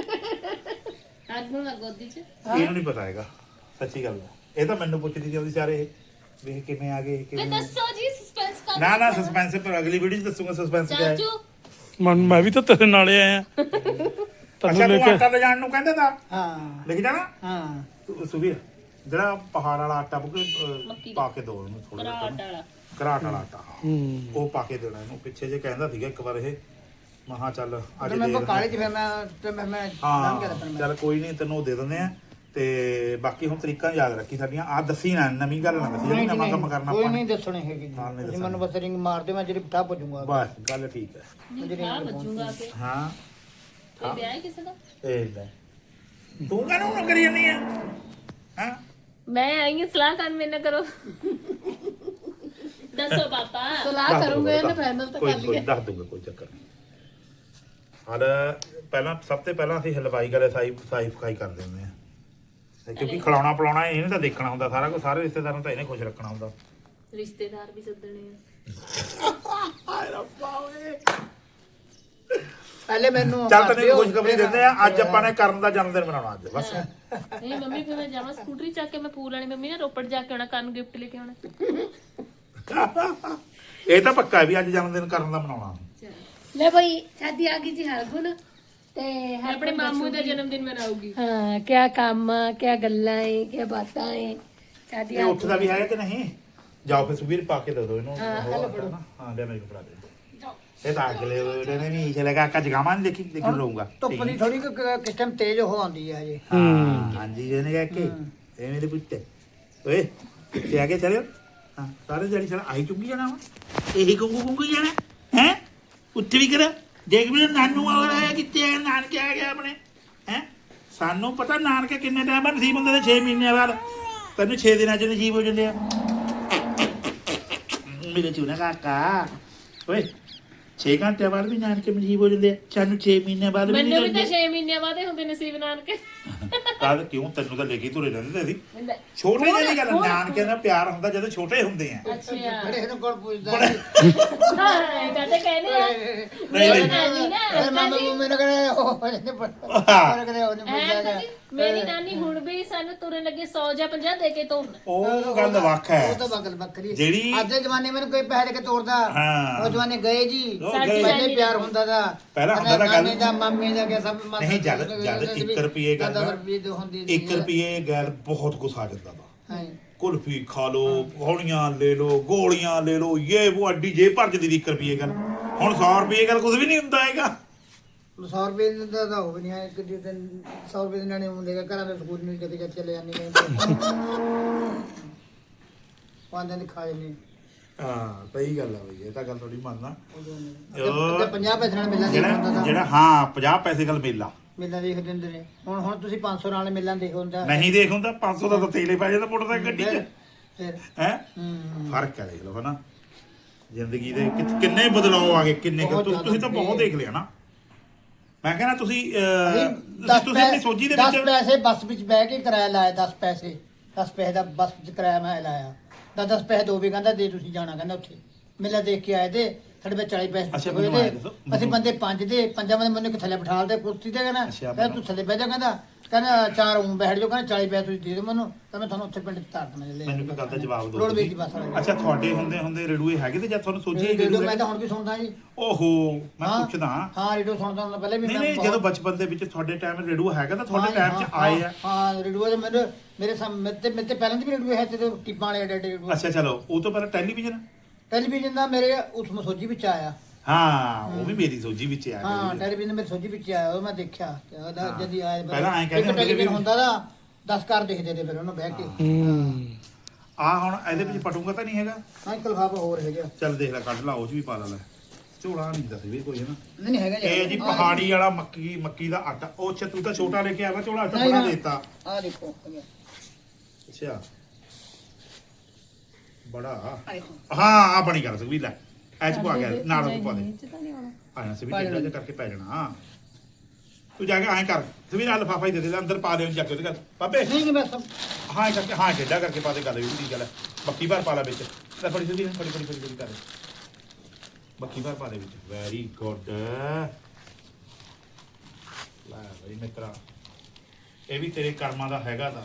ਅੱਜ ਨੂੰ ਨਾ ਗੋਦੀ 'ਚ
ਇਹਨੂੰ ਨਹੀਂ ਪਤਾ ਹੈਗਾ ਸੱਚੀ ਗੱਲ ਹੈ ਇਹ ਤਾਂ ਮੈਨੂੰ ਪੁੱਛਦੀ ਸੀ ਉਹਦੀ ਸਾਰੇ ਵੀ ਇਹ ਕਿਵੇਂ ਆ ਗਏ
ਤੇ
ਕਿਵੇਂ
ਦੱਸੋ ਜੀ ਸਸਪੈਂਸ ਕਰ
ਨਾ ਨਾ ਸਸਪੈਂਸ ਪਰ ਅਗਲੀ ਵੀਡੀਓ 'ਚ ਦੱਸੂਗਾ ਸਸਪੈਂਸ ਕਿਆ ਹੈ
ਚਾਚੂ
ਮਨ ਮੈਂ ਵੀ ਤਾਂ ਤੇਰੇ ਨਾਲੇ ਆਇਆ
ਅੱਛਾ
ਤੈਨੂੰ ਲੈ
ਤੂੰ
ਕੇ
ਆਟਾ ਲੈ ਜਾਣ ਨੂੰ ਕਹਿੰਦਾ ਤਾਂ
ਹਾਂ
ਲਿਖ ਜਾਣਾ
ਹਾਂ
ਤੂੰ ਸੁਵੀਰ ਜਿਹੜਾ ਪਹਾੜ ਵਾਲਾ ਆਟਾ ਬੁਕੇ
ਮੱਕੀ ਦਾ।
ਪਾ ਕੇ ਦੋ ਇਹਨੂੰ ਥੋੜਾ
ਘਰਾਟ
ਜਿਹਾ
ਵਾਲਾ
ਘਰਾਟ ਵਾਲਾ ਆਟਾ
ਹੂੰ
ਉਹ ਪਾ ਕੇ ਦੇਣਾ ਇਹਨੂੰ ਪਿੱਛੇ ਜੇ ਕਹਿੰਦਾ ਸੀਗਾ ਇੱਕ ਵਾਰ ਇਹ ਮਹਾ ਚੱਲ ਅੱਜ
ਤੇ
ਦੇ
ਮੈਂ ਕਾਲੇ ਚ ਫਿਰ ਮੈਂ ਤੇ ਮੈਂ ਮੈਂ ਨਾਮ ਕਿਹਾ
ਹਾਂ
ਮੈਂ
ਚੱਲ ਕੋਈ ਨਹੀਂ ਤੈਨੂੰ ਉਹ ਦੇ ਦਿੰਦੇ ਆ ਤੇ ਬਾਕੀ ਹੁਣ ਤਰੀਕਾਂ ਯਾਦ ਰੱਖੀ ਸਾਡੀਆਂ ਆ ਦੱਸੀ ਨਾ ਨਵੀਂ ਗੱਲ ਨਾ ਦੱਸੀ ਜਿਹੜੀ ਨਵਾਂ ਕੰਮ ਕਰਨਾ
ਕੋਈ
ਆਪਾਂ
ਨਹੀਂ
ਨੇ।
ਦੱਸਣੀ ਹੈਗੀ ਜੀ
ਹਾਂ, ਨਹੀਂ
ਤੁਸੀਂ ਮੈਨੂੰ ਬਸ ਰਿੰਗ ਮਾਰ ਦਿਓ ਮੈਂ ਜਿਹੜੀ ਬਿਠਾ ਪੁੱਜੂਗਾ
ਬਸ ਗੱਲ ਠੀਕ ਹੈ
ਨਹੀਂ ਆ ਬੱਜੂਗਾ ਕਿ
ਹਾਂ
ਕੋਈ ਵਿਆਹ ਹੈ ਕਿਸੇ ਦਾ
ਇਹ ਲੈ ਤੂੰ ਕਾਹਨੂੰ ਨਾ ਕਰੀ ਜਾਂਦੀ ਆ ਹਾਂ
ਮੈਂ ਆਈ ਹਾਂ ਸਲਾਹ ਕਰਨ ਮੇਰੇ ਨਾਲ ਕਰੋ ਦੱਸੋ ਪਾਪਾ
ਸਲਾਹ ਕਰੂੰਗੇ ਇਹਨੇ ਫਾਈਨਲ ਤਾਂ
ਕੋਈ
ਕਰ
ਕੋਈ
ਲਈਏ
ਦੱਸ ਦੂੰਗਾ ਕੋਈ ਚੱਕਰ ਨਹੀਂ ਹਾਲ ਪਹਿਲਾਂ ਸਭ ਤੋਂ ਪਹਿਲਾਂ ਅਸੀਂ ਹਲਵਾਈ ਵਾਲੇ ਸਾਈ ਸਾਈ ਫਕਾਈ ਕਰ ਦਿੰਦੇ ਆ ਤੇ ਕਿਉਂਕਿ ਖਿਲਾਉਣਾ ਪਿਲਾਉਣਾ ਇਹਨੇ ਤਾਂ ਦੇਖਣਾ ਹੁੰਦਾ ਸਾਰਾ ਕੁਝ ਸਾਰੇ ਰਿਸ਼ਤੇਦਾਰਾਂ ਨੂੰ ਤਾਂ ਇਹਨੇ ਖੁਸ਼ ਰੱਖਣਾ ਹੁੰਦਾ
ਰਿਸ਼ਤੇਦਾਰ ਵੀ ਸੱਦਣੇ ਆ
ਹਾਏ ਰੱਬਾ ਓਏ
ਪਹਿਲੇ ਮੈਨੂੰ
ਚੱਲ
ਕਰ
ਤੈਨੂੰ
ਦਿਓ,
ਖੁਸ਼ਖਬਰੀ
ਫਿਰ-
ਦਿੰਦੇ ਆ ਅੱਜ ਆਪਾਂ ਨੇ ਕਰਨ ਦਾ ਜਨਮ ਦਿਨ ਮਨਾਉਣਾ ਅੱਜ ਬਸ
ਨਹੀਂ ਮੰਮੀ ਫਿਰ ਮੈਂ ਜਾਵਾਂ ਸਕੂਟਰੀ ਚੱਕ ਕੇ ਮੈਂ ਪੂਲ ਵਾਲੀ ਮੰਮੀ ਨੇ ਰੋਪੜ ਜਾ ਕੇ ਆਉਣਾ ਕਰਨ ਗਿਫਟ ਲੈ ਕੇ ਆਉਣਾ
ਇਹ ਤਾਂ ਪੱਕਾ ਵੀ ਅੱਜ ਜਨਮ ਦਿਨ ਕਰਨ ਦਾ ਮਨਾਉਣਾ
ਲੈ ਭਾਈ ਸ਼ਾਦੀ ਆ ਗਈ ਜੀ ਹਰਗੁਣ ਤੇ
ਮੈਂ ਆਪਣੇ ਮਾਮੂ ਦਾ ਜਨਮ ਦਿਨ ਮਨਾਉਗੀ
ਹਾਂ ਕਿਆ ਕੰਮ ਆ ਕਿਆ ਗੱਲਾਂ ਏ ਕਿਆ ਬਾਤਾਂ ਏ ਸ਼ਾਦੀ
ਇਹ
ਆ
ਉੱਠਦਾ ਵੀ ਹੈਗਾ ਕਿ ਨਹੀਂ ਜਾਓ ਫਿਰ ਸੁਬੀਰ ਪਾ ਕੇ ਦੇ ਦਿਓ ਇਹਨੂੰ ਹਾਂ ਲੈ ਨਾ ਹਾਂ ਲੈ ਮੈਨੂੰ ਫੜਾ ਦੇ ਇਹ ਤਾਂ ਅਗਲੇ ਉਹਨੇ ਨੇ ਵੀ ਚਲੇਗਾ ਕੱਜ ਗਾਵਾਂ ਨਹੀਂ ਦੇਖੀ ਦੇਖੀ ਰਹੂੰਗਾ
ਧੁੱਪ ਦੀ ਥੋੜੀ ਕਿਸ ਟਾਈਮ ਤੇਜ਼ ਹੋ ਆਉਂਦੀ ਹੈ ਹਜੇ
ਹਾਂ ਹਾਂਜੀ ਇਹਨੇ ਕਹਿ ਕੇ ਇਹ ਮੇਰੇ ਪੁੱਤ ਓਏ ਕਿੱਥੇ ਆ ਕੇ ਚਲਿਓ ਹਾਂ ਸਾਰੇ ਜੜੀ ਚਲ ਆਈ ਚੁੱਕੀ ਜਾਣਾ ਵਾ ਇਹੀ ਗੁੰਗੂ ਗੁੰਗੂ ਜਾਣਾ ਹੈ ਉੱਠ ਵੀ ਕਰ ਦੇਖ ਵੀ ਨਾਨੂ ਆ ਰਿਹਾ ਕਿੱਥੇ ਆ ਨਾਨਕੇ ਆ ਗਿਆ ਆਪਣੇ ਹੈ ਸਾਨੂੰ ਪਤਾ ਨਾਨਕੇ ਕਿੰਨੇ ਟਾਈਮ ਬਾਅਦ ਨਸੀਬ ਹੁੰਦੇ ਨੇ ਛੇ ਮਹੀਨਿਆਂ ਬਾਅਦ ਤੈਨੂੰ ਛੇ ਦਿਨਾਂ ਚ ਨਸੀਬ ਹੋ ਜਾਂਦੇ ਆ ਮੇਰੇ ਚੂਨਾ ਕਾਕਾ ਓਏ ਛੇ ਘੰਟੇ ਬਾਅਦ ਵੀ ਨਾਨਕੇ ਨਸੀਬ ਹੋ ਜਾਂਦੇ ਆ ਸਾਨੂੰ ਛੇ ਮਹੀਨਿਆਂ ਬਾਅਦ ਵੀ ਨਹੀਂ
ਮੈਨੂੰ ਵੀ ਤਾਂ
ਜਾਂਦੇ
ਛੇ ਮਹੀਨਿਆਂ ਬਾਅਦ ਹੀ ਹੁੰਦੇ ਨਸੀਬ ਨਾਨਕੇ
ਕਾਹ ਕਿਉਂ ਤੈਨੂੰ ਤਾਂ ਲੈ ਕੇ ਤੁਰੇ ਰਹਿੰਦੇ ਤੇ ਅਸੀਂ
ਹੁੰਦਾ
ਛੋਟੇ ਜਿਹੇ ਦੀ ਗੱਲ ਨਾਨਕਿਆਂ ਦਾ ਪਿਆਰ ਹੁੰਦਾ ਜਦੋਂ ਛੋਟੇ ਹੁੰਦੇ ਆ
ਅੱਛਾ
ਬੜੇ ਇਹਨੂੰ ਕੋਲ ਪੁੱਛਦਾ
ਹਾਂ ਇਹ ਤਾਂ ਕਹਿੰਦੇ ਆ ਮੇਰੀ ਨਾਨੀ ਨਾ
ਮੇਰੇ ਮਾਮਾ ਨੂੰ ਮੈਨੂੰ ਕਹਿੰਦੇ ਉਹ ਇਹਨੇ ਪੜ੍ਹਦਾ ਮੇਰੇ ਕਹਿੰਦੇ ਉਹਨੇ
ਐ
ਪੁੱਛਿਆ
ਕਦੀ ਮੇਰੀ ਨਾਨੀ ਹੁਣ ਵੀ ਸਾਨੂੰ ਤੁਰਨ ਲੱਗੇ ਸੌ ਜਾਂ ਪੰਜਾਹ ਦੇ ਕੇ ਤੋਰਨ
ਉਹ ਗੱਲ ਵੱਖ ਹੈ
ਉਹ ਤਾਂ ਬਗਲ ਬੱਕਰੀ
ਜਿਹੜੀ
ਅੱਜ ਦੇ ਜ਼ਮਾਨੇ ਮੈਨੂੰ ਕੋਈ ਪੈਸੇ ਦੇ ਕੇ ਤੋੜਦਾ
ਹਾਂ।
ਉਹ ਜ਼ਮਾਨੇ ਗਏ ਜੀ
ਉਹ
ਸਾਡੀ
ਗਏ।
ਪਹਿਲੇ ਪਿਆਰ ਹੁੰਦਾ ਦਾ
ਪਹਿਲਾਂ ਹੁੰਦਾ ਤਾਂ ਗੱਲ-
ਨਾਨੇ ਦਾ ਮਾਮੇ ਦਾ ਕਿ ਸਭ ਮਾਤਾ
ਨਹੀਂ ਜਦ ਜਦ ਇੱਕ ਰੁਪਏ ਗੱਲ
ਦਸ ਰੁਪਏ ਦੇ ਹੁੰਦੀ ਸੀ।
ਇੱਕ ਰੁਪਏ ਗੱਲ ਬਹੁਤ ਕੁਛ ਆ ਜਾਂਦਾ ਵਾ
ਹਾਂ
ਕੁਲਫੀ ਖਾ ਲੋ ਗੋਲੀਆਂ ਲੈ ਲੋ ਗੋਲੀਆਂ ਲੈ ਲੋ ਇਹ ਉਹ ਅੱਡੀ ਜੇ ਭਰ ਜਦੀ ਇੱਕ ਰੁਪਏ ਗੱਲ ਹੁਣ ਸੌ ਰੁਪਏ ਗੱਲ ਕੁਝ ਵੀ ਨਹੀਂ ਹੁੰਦਾ ਹੈਗਾ
ਸੌ ਰੁਪਏ ਦਾ ਤਾਂ ਹੋ ਵੀ ਨਹੀਂ ਹੈ ਇੱਕ ਦਿਨ ਸੌ ਰੁਪਏ ਦੇ ਨਾਨੇ ਹੁੰਦੇ ਘਰਾਂ ਦੇ ਸਕੂਲ ਨਹੀਂ ਕਦੇ ਕਦੇ ਚਲੇ ਜਾਂਦੇ ਨੇ ਪੰਜ ਦਿਨ ਖਾ ਜਾਂਦੇ
ਹਾਂ ਸਹੀ ਗੱਲ ਆ ਬਈ ਇਹ ਤਾਂ ਗੱਲ ਥੋੜੀ ਮੰਨਦਾ
ਤੇ ਪੰਜਾਹ ਪੈਸੇ ਨਾਲ ਮਿਲਾਂ ਦੇਖ ਹੁੰਦਾ
ਜਿਹੜਾ
ਤਾਂ
ਜਿਹੜਾ ਹਾਂ ਪੰਜਾਹ ਪੈਸੇ ਗੱਲ ਮੇਲਾ
ਮਿਲਾਂ ਦੇਖ ਦਿੰਦੇ ਨੇ ਹੁਣ ਹੁਣ ਤੁਸੀਂ ਪੰਜ ਸੌ ਨਾਲ ਮਿਲਾਂ ਦੇਖ ਹੁੰਦਾ
ਨਹੀਂ ਦੇਖ ਹੁੰਦਾ ਪੰਜ ਸੌ ਦਾ ਤਾਂ ਤੇਲੇ ਪੈ ਜਾਂਦਾ ਮੋਟਰਸਾਈਕਲ ਗੱਡੀ 'ਚ
ਫਿਰ
ਹੈ
ਹੂੰ
ਫਰਕ ਹੈ ਦੇਖ ਲਓ ਹਨਾ ਜ਼ਿੰਦਗੀ ਦੇ ਕਿ- ਕਿੰਨੇ ਬਦਲਾਅ ਆ ਗਏ ਕਿੰਨੇ ਕੁ-
ਬਹੁਤ
ਤੁਸੀਂ ਤੁਸੀਂ ਤਾਂ
ਜ਼ਿਆਦਾ
ਬਹੁਤ ਦੇਖ ਲਿਆ ਨਾ ਮੈਂ ਕਹਿੰਦਾ ਤੁਸੀਂ ਅਹ,
ਦਸ
ਤੁਸੀਂ ਆਪਣੀ ਸੋਝੀ ਦੇ ਵਿੱਚ
ਪੈਸੇ ਬੱਸ ਵਿੱਚ ਬਹਿ ਕੇ ਕਿਰਾਇਆ ਲਾਇਆ ਦਸ ਪੈਸੇ ਦਸ ਪੈਸੇ ਦਾ ਬੱਸ ਵਿੱਚ ਕਿਰਾਇਆ ਮੈਂ ਲਾਇਆ ਦਸ ਦਸ ਪੈਸੇ ਦੋ ਵੀ ਕਹਿੰਦਾ ਦੇ ਤੁਸੀਂ ਜਾਣਾ ਕਹਿੰਦਾ ਉੱਥੇ ਮੇਲਾ ਦੇਖ ਕੇ ਆਏ ਤੇ ਸਾਡੇ ਵਿੱਚ ਚਾਲੀ ਪੈਸੇ
ਅੱਛਾ,
ਹੋਏ
ਮੈਨੂੰ ਆਏਂ
ਤੇ
ਦੱਸੋ,
ਅਸੀਂ
ਮੈਨੂੰ-
ਬੰਦੇ ਪੰਜ ਦੇ ਪੰਜਾਂ ਬੰਦੇ ਮੈਨੂੰ ਇੱਕ ਥੱਲੇ ਬਿਠਾਲ ਦੇ ਕੁਰਸੀ ਤੇ ਕਹਿੰਦਾ
ਅੱਛਾ,
ਕਹਿੰਦਾ
ਮੈਨੂੰ-
ਤੂੰ ਥੱਲੇ ਬਹਿ ਜਾ ਕਹਿੰਦਾ ਕਹਿੰਦਾ ਚਾਰ ਉਂ ਬੈਠ ਜਾਓ ਕਹਿੰਦਾ ਚਾਲੀ ਪੈਸੇ ਤੁਸੀਂ ਦੇ ਦਿਓ ਮੈਨੂੰ ਤਾਂ ਮੈਂ ਤੁਹਾਨੂੰ ਉੱਥੇ ਪਿੰਡ ਚ ਤਾਰ ਦੇਣਾ ਲੈ
ਮੈਨੂੰ ਇੱਕ ਗੱਲ ਦਾ ਜਵਾਬ ਦਿਓ
ਰੋਡਵੇਜ਼ ਦੀ
ਤੁਸੀਂ।
ਬੱਸ ਵਾਲੇ
ਅੱਛਾ ਤੁਹਾਡੇ ਹੁੰਦੇ ਹੁੰਦੇ ਰੇਡੂਏ ਹੈਗੇ ਤੇ ਜਦ ਤੁਹਾਨੂੰ ਸੋਝੀ
ਰੇਡੀਓ ਮੈਂ ਤਾਂ ਹੁਣ ਵੀ ਸੁਣਦਾ ਜੀ
ਓਹੋ ਮੈਂ
ਹਾਂ,
ਪੁੱਛਦਾ
ਹਾਂ ਰੇਡੀਓ ਸੁਣਦਾ ਹੁੰਦਾ ਪਹਿਲੇ ਵੀ
ਨਹੀਂ
ਮੈਂ
ਨਹੀਂ
ਬਹੁਤ-
ਜਦੋਂ ਬਚਪਨ ਦੇ ਵਿੱਚ ਤੁਹਾਡੇ ਟਾਈਮ ਰੇਡੂਆ ਹੈਗਾ ਤਾਂ ਤੁਹਾਡੇ
ਹਾਂ,
ਟਾਈਮ 'ਚ
ਹਾਂ,
ਆਏ ਆ
ਹਾਂ ਰੇਡੀਓ ਦੇ ਮੇਰੇ ਮੇਰੇ ਸਾਹਮਣੇ ਮੇਰੇ ਤੇ ਮੇਰੇ ਤੇ ਪਹਿਲਾਂ ਦੀ ਵੀ ਰੇਡੀਓ ਹੈ ਤੇ ਟਿੱਪਾਂ ਵਾਲੇ ਐਡੇ ਐਡੇ ਰੇਡੀਓ
ਅੱਛਾ ਚਲੋ ਉਹ ਤੋਂ ਪਹਿਲਾਂ ਟੈਲੀਵਿਜ਼ਨ
ਟੈਲੀਵਿਜ਼ਨ ਦਾ ਮੇਰੇ ਉਸ ਮਸੋਜੀ ਵਿੱਚ ਆਇਆ
ਹਾਂ ਉਹ ਵੀ ਮੇਰੀ ਸੋਝੀ ਵਿੱਚ ਆ
ਹਾਂ ਟੈਲੀਵਿਜ਼ਨ ਮੇਰੇ ਸੋਜੀ ਵਿੱਚ ਆਇਆ ਉਹ ਮੈਂ ਦੇਖਿਆ ਤੇ ਉਹਦਾ
ਹਾਂ।
ਜਦੀ ਆਇਆ
ਪਹਿਲਾਂ ਐਂ ਕਹਿੰਦੇ
ਇੱਕ
ਹੁੰਦੇ
ਟੈਲੀਵਿਜ਼ਨ
ਵੀ-
ਹੁੰਦਾ ਦਾ ਦਸ ਘਰ ਦੇਖਦੇ ਤੇ ਫਿਰ ਉਹਨੂੰ ਬਹਿ ਕੇ
ਹੂੰ
ਆ ਹੁਣ ਇਹਦੇ ਵਿੱਚ ਪਟੂਗਾ ਤਾਂ ਨਹੀਂ ਹੈਗਾ
ਹਾਂ ਇੱਕ ਲਫਾਫਾ ਹੋਰ ਹੈਗਾ
ਚੱਲ ਦੇਖ ਲੈ ਕੱਢ ਲਾ ਉਹ 'ਚ ਵੀ ਪਾ ਲਾ ਲੈ ਝੋਲਾ ਨਹੀਂ ਦੱਸ ਵੀ ਕੋਈ ਹੈ ਨਾ
ਨਹੀਂ ਨਹੀਂ ਹੈਗਾ
ਇਹ ਜੀ ਪਹਾੜੀ ਵਾਲਾ ਮੱਕੀ ਮੱਕੀ ਦਾ ਆਟਾ ਉਹ ਅੱਛਾ ਤੂੰ ਤਾਂ ਛੋਟਾ ਲੈ ਕੇ ਆਇਆ ਝੋਲਾ ਤਾਂ
ਨਹੀਂ,
ਬੜਾ
ਨਾ।
ਦੇਤਾ
ਆ ਦੇਖੋ ਹੈਗਾ।
ਅੱਛਾ ਬੜਾ
ਆ ਦੇਖੋ
ਹਾਂ ਆ ਬਣੀ ਗੱਲ ਸੁਖਵੀਰ ਲੈ ਐਚ ਪਾ ਗਿਆ ਨਾਲ ਉਹ ਪਾ ਦੇ ਆਣਾ ਸੀ ਵੀ
ਪਾ
ਟੇਡਾ ਜਿਹਾ ਕਰਕੇ ਪੈ ਜਾਣਾ ਤੂੰ ਜਾ ਕੇ ਐਂ ਕਰ ਸੁਖਵੀਰ ਆ ਲਫਾਫਾ ਹੀ ਦੇ ਦੇ ਅੰਦਰ ਪਾ ਦੇ ਜਾ ਕੇ ਉਹਦੇ ਘਰ ਬਾਬੇ
ਨਹੀਂ ਨਹੀਂ ਮੈਂ ਸਭ
ਹਾਂ ਇਹ ਕਰਕੇ ਹਾਂ ਟੇਡਾ ਕਰਕੇ ਪਾ ਦੇ ਗੱਲ ਵੀ ਠੀਕ ਗੱਲ ਹੈ ਬੱਕੀ ਭਰ ਪਾ ਲੈ ਵਿੱਚ ਲੈ ਫੜੀ ਸੁਖਵੀਰ ਫੜੀ ਫੜੀ ਫੜੀ ਫੜੀ ਕਰ ਬੱਕੀ ਭਰ ਪਾ ਦੇ ਵਿੱਚ ਵੈਰੀ ਗੁੱਡ ਲੈ ਬਈ ਮਿੱਤਰਾ ਇਹ ਵੀ ਤੇਰੇ ਕਰਮਾਂ ਦਾ ਹੈਗਾ ਤਾਂ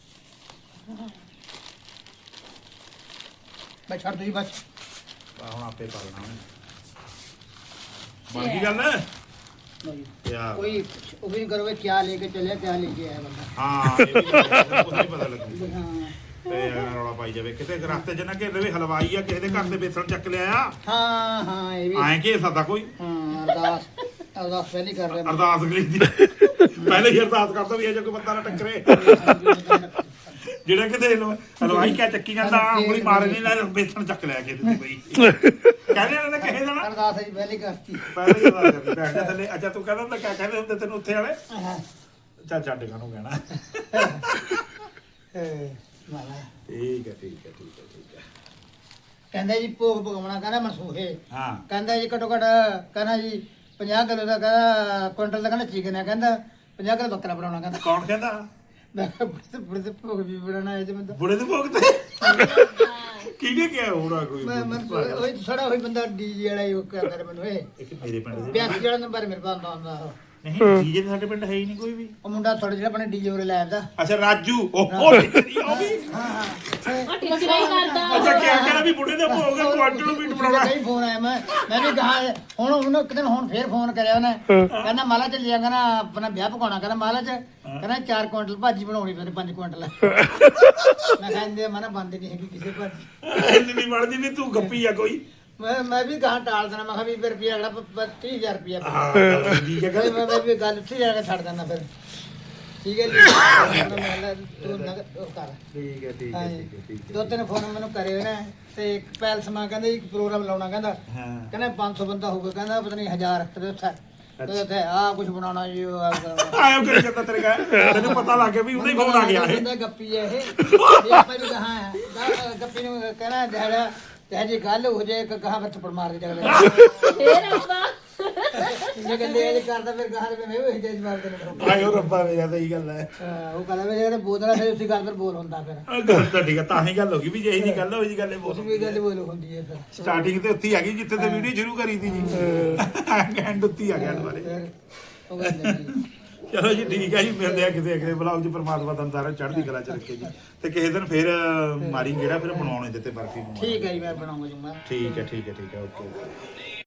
ਮੈਂ ਛੱਡ ਦੂਜੀ ਬਸ
ਆਹ ਹੁਣ ਆਪੇ ਪਾ ਲੈਣਾ ਉਹਨੇ ਬਣ ਗਈ ਗੱਲ
ਨਹੀਂ।
ਯਾਰ
ਕੋਈ ਉਹ ਵੀ ਨਹੀਂ ਕਰੋਗੇ ਕਿਆ ਲੈ ਕੇ ਚੱਲਿਆ ਕਿਆ ਲੈ ਕੇ ਆਇਆ ਬੰਦਾ
ਹਾਂ ਇਹ ਵੀ ਕੁਝ ਨਹੀਂ ਪਤਾ ਲੱਗੂ
ਹਾਂ
ਤੇ ਯਾਰ ਰੌਲਾ ਪਾਈ ਜਾਵੇ ਕਿਤੇ ਰਸਤੇ 'ਚ ਨਾ ਘੇਰੇ ਵੀ ਹਲਵਾਈ ਆ ਕਿਸੇ ਦੇ ਘਰ ਤੇ ਬੇਸਣ ਚੱਕ ਲਿਆ ਆ
ਹਾਂ ਹਾਂ ਇਹ ਵੀ
ਐਂ ਕਿ ਸਕਦਾ ਕੋਈ
ਹਾਂ ਅਰਦਾਸ ਅਰਦਾਸ ਪਹਿਲੀ ਕਰ ਰਿਹਾ
ਅਰਦਾਸ ਕਰੀਦੀ ਪਹਿਲੇ ਹੀ ਅਰਦਾਸ ਕਰਦਾ ਵੀ ਇਹ ਜੇ ਕੋਈ ਬੰਦਾ ਨਾ ਟੱਕਰੇ ਜਿਹੜਾ ਕਿਤੇ ਹਲਵਾ- ਹਲਵਾਈ ਕਿਆ ਚੱਕੀ ਜਾਂਦਾ ਉਂਗਲੀ ਮਾਰੇ ਨਹੀਂ ਲੈ ਬੇਸਣ ਚੱਕ ਲਿਆ ਕਿਸੇ ਤੇ ਬਈ ਕਹਿੰਦੇ ਇਹਨਾਂ ਨੇ ਕਹੇ ਜਾਣਾ
ਅਰਦਾਸ ਜੀ ਪਹਿਲੀ ਕਰਤੀ
ਪਹਿਲੇ ਹੀ ਅਰਦਾਸ ਕਰਦੀ ਬੈਠ ਜਾ ਥੱਲੇ ਅੱਛਾ ਤੂੰ ਕਹਿੰਦਾ ਹੁੰਦਾ ਕਿਆ ਕਹਿੰਦੇ ਹੁੰਦੇ ਤੈਨੂੰ ਉੱਥੇ ਵਾਲੇ
ਹਾਂ
ਚੱਲ ਛੱਡ ਕਾਨੂੰ ਕਹਿਣਾ
ਏ ਵਾਲਾ
ਠੀਕ ਹੈ ਠੀਕ ਹੈ ਠੀਕ ਹੈ ਠੀਕ ਹੈ
ਕਹਿੰਦਾ ਜੀ ਭੋਗ ਪਕਾਉਣਾ ਕਹਿੰਦਾ ਮਨਸੂਹੇ
ਹਾਂ
ਕਹਿੰਦਾ ਜੀ ਘਟੋ ਘਟ ਕਹਿੰਦਾ ਜੀ ਪੰਜਾਹ ਕਿਲੋ ਦਾ ਕਹਿੰਦਾ ਕੁਇੰਟਲ ਦਾ ਕਹਿੰਦਾ ਚਿਕਨ ਹੈ ਕਹਿੰਦਾ ਪੰਜਾਹ ਕਿਲੋ ਬੱਕਰਾ ਬਣਾਉਣਾ ਕਹਿੰਦਾ
ਕੌਣ ਕਹਿੰਦਾ
ਮੈਂ ਕਿਹਾ ਬੁੜੇ ਤੇ ਬੁੜੇ ਤੇ ਭੋਗ ਵੀ ਬਣਾਉਣਾ ਹੈ ਤੇ ਮੈਂ ਤਾਂ-
ਬੁੜੇ ਦੇ ਭੋਗ ਤੇ ਕਿਹਨੇ ਕਿਹਾ ਹੋਣਾ ਕੋਈ
ਮੈਂ ਮੈਂ ਉਹ ਛੜਾ ਹੋਈ ਬੰਦਾ ਡੀਜੇ ਵਾਲਾ ਹੀ ਉਹ ਕਰਦਾ ਰਿਹਾ ਮੈਨੂੰ ਇਹ
ਇੱਕ ਮੇਰੇ ਪਿੰਡ ਦੇ
ਬਿਆਸੀ ਵਾਲਾ ਨੰਬਰ ਮੇਰੇ ਕੋਲ ਆਉਂਦਾ ਹੁੰਦਾ ਉਹ।
ਨਹੀਂ ਡੀਜੇ ਸਾਡੇ ਪਿੰਡ ਹੈ ਹੀ ਨਹੀਂ ਕੋਈ ਵੀ
ਉਹ ਮੁੰਡਾ ਥੋੜਾ ਜਿਹੜਾ ਆਪਣੇ ਡੀਜੇ ਉਰੇ ਲੈ ਆਉਂਦਾ
ਅੱਛਾ ਰਾਜੂ ਉਹ ਉਹ ਟਿੱਚਰੀ ਉਹ ਵੀ
ਹਾਂ ਹਾਂ
ਉਹ ਟੀਚਰ ਹੀ ਕਰਦਾ
ਅੱਛਾ ਕਿਹਾ ਕਹਿੰਦਾ ਵੀ ਬੁੜੇ ਦੇ ਭੋਗ ਕੁਆਂਟਲ ਨੂੰ ਮੀਟ ਬਣਾਉਣਾ
ਕਈ ਫੋਨ ਆਇਆ ਮੈਂ ਮੈਂ ਵੀ ਕਹਾ ਹੁਣ ਉਹਨੂੰ ਇੱਕ ਦਿਨ ਹੁਣ ਫੇਰ ਫੋਨ ਕਰਿਆ ਉਹਨੇ ਕਹਿੰਦਾ ਮਾਲਾ ਚੱਲ ਜਾ ਕਹਿੰਦਾ ਆਪਣਾ ਵਿਆਹ ਪਕਾਉਣਾ ਕਹਿੰਦਾ ਮਾਲਾ ਚ ਕਹਿੰਦਾ ਚਾਰ ਕੁਇੰਟਲ ਭਾਜੀ ਬਣਾਉਣੀ ਪੈਣੀ ਪੰਜ ਕੁਇੰਟਲ ਮੈਂ ਕਹਿੰਦੇ ਮਨਾ ਬੰਦ ਨਹੀਂ ਹੈਗੀ ਕਿਸੇ ਭਾਜੀ
ਇੰਨੀ ਨਹੀਂ ਬਣਦੀ ਵੀ ਤੂੰ ਗੱਪੀ ਆ ਕੋਈ
ਮੈਂ ਮੈਂ ਵੀ ਕਹਾ ਟਾਲ ਦੇਣਾ ਮੈਂ ਕਿਹਾ ਵੀਹ ਰੁਪਏ ਅਗਲਾ ਤੀਹ ਹਜ਼ਾਰ ਰੁਪਏ
ਹਾਂ ਠੀਕ ਹੈ
ਮੈਂ ਮੈਂ ਵੀ ਗੱਲ ਉੱਥੇ ਜਾ ਕੇ ਛੱਡ ਦਿੰਦਾ ਫਿਰ ਠੀਕ ਹੈ ਜੀ ਮੈਂ ਕਿਹਾ ਤੂੰ ਨਾ ਉਹ ਕਰ
ਠੀਕ ਹੈ ਠੀਕ ਹੈ
ਹਾਂਜੀ।
ਠੀਕ ਹੈ ਠੀਕ ਹੈ
ਦੋ ਤਿੰਨ ਫੋਨ ਮੈਨੂੰ ਕਰੇ ਉਹਨੇ ਤੇ ਇੱਕ ਪੈਲਸ ਮਾ ਕਹਿੰਦਾ ਇੱਕ ਪ੍ਰੋਗਰਾਮ ਲਾਉਣਾ ਕਹਿੰਦਾ
ਹਾਂ
ਕਹਿੰਦਾ ਪੰਜ ਸੌ ਬੰਦਾ ਹੋਊਗਾ ਕਹਿੰਦਾ ਪਤਾ ਨਹੀਂ ਹਜ਼ਾਰ ਤੇ ਉੱਥੇ ਤੇ ਉੱਥੇ ਆ ਕੁਝ ਬਣਾਉਣਾ ਜੀ ਉਹ ਆ ਕਰਨਾ।
ਆਇਓ ਕਰੀ ਜਾਂਦਾ ਤੇਰੇ ਕਾ ਤੈਨੂੰ ਪਤਾ ਲੱਗ ਗਿਆ ਵੀ ਉਹਦਾ ਹੀ ਫੋਨ ਆ ਗਿਆ ਇਹ
ਬੰਦਾ ਗੱਪੀ ਹੈ ਇਹ ਇਹ ਆਪਾਂ ਵੀ ਕਹਾ ਹੈ ਗਾ- ਗੱਪੀ ਨੂੰ ਕਹਿਣਾ ਜਿਹੜਾ ਤੇ ਜੀ ਗੱਲ ਹੋ ਜਾਏ ਇੱਕ ਕਹਾ ਵਿੱਚ ਪੜ ਮਾਰ ਦੇ ਜਗਲੇ
ਫੇਰ ਆਪਾਂ
ਜੇ ਗੱਲੇ ਇਹ ਕਰਦਾ ਫਿਰ ਕਹਾ ਦੇ ਮੈਂ ਉਹ ਜੇਜ ਮਾਰ ਦੇਣਾ
ਆਇਓ ਰੱਬਾ ਮੇਰਾ ਤਾਂ ਹੀ ਗੱਲ ਹੈ
ਹਾਂ, ਉਹ ਕਹਿੰਦਾ ਵੀ ਜਿਹੜੇ ਬੋਲਣਾ ਫਿਰ ਉਸੇ ਗੱਲ ਪਰ ਬੋਲ ਹੁੰਦਾ ਫਿਰ
ਆਹ ਗੱਲ ਤਾਂ ਠੀਕ ਹੈ ਤਾਂ ਹੀ ਗੱਲ ਹੋ ਗਈ ਵੀ ਜੇ ਇਹ ਜੀ ਗੱਲ ਹੋਈ ਜੀ ਗੱਲ ਇਹ
ਉਸ
ਬਹੁਤ
ਵੀ ਗੱਲ ਬੋਲ ਹੁੰਦੀ ਹੈ ਫਿਰ
ਸਟਾਰਟਿੰਗ ਤੇ ਉੱਥੇ ਹੀ ਆ ਗਈ ਜਿੱਥੇ ਤੇ ਵੀਡੀਓ ਸ਼ੁਰੂ ਕਰੀ ਸੀ ਜੀ ਐਂਡ ਉੱਥੇ ਹੀ ਆ ਗਿਆ ਦੁਬਾਰੇ
ਫਿਰ ਉਹ ਗੱਲ ਹੈ ਜੀ।
ਚਲੋ ਜੀ ਠੀਕ ਹੈ ਜੀ ਮਿਲਦੇ ਆ ਕਿਸੇ ਅਗਲੇ ਵਲੌਗ 'ਚ ਪਰਮਾਤਮਾ ਤੁਹਾਨੂੰ ਸਾਰਾ ਚੜ੍ਹਦੀ ਕਲਾ 'ਚ ਰੱਖੇ ਜੀ ਤੇ ਕਿਸੇ ਦਿਨ ਫਿਰ ਮਾਰੀ ਜਿਹੜਾ ਫਿਰ ਬਣਾਉਣੇ ਦਿੱਤੇ ਬਰਫੀ ਬਣਾਉਣੀ।
ਠੀਕ ਹੈ ਜੀ ਮੈਂ ਬਣਾਉਂਗਾ ਜੀ ਮੈਂ
ਠੀਕ ਹੈ ਠੀਕ ਹੈ ਠੀਕ ਹੈ ਓਕੇ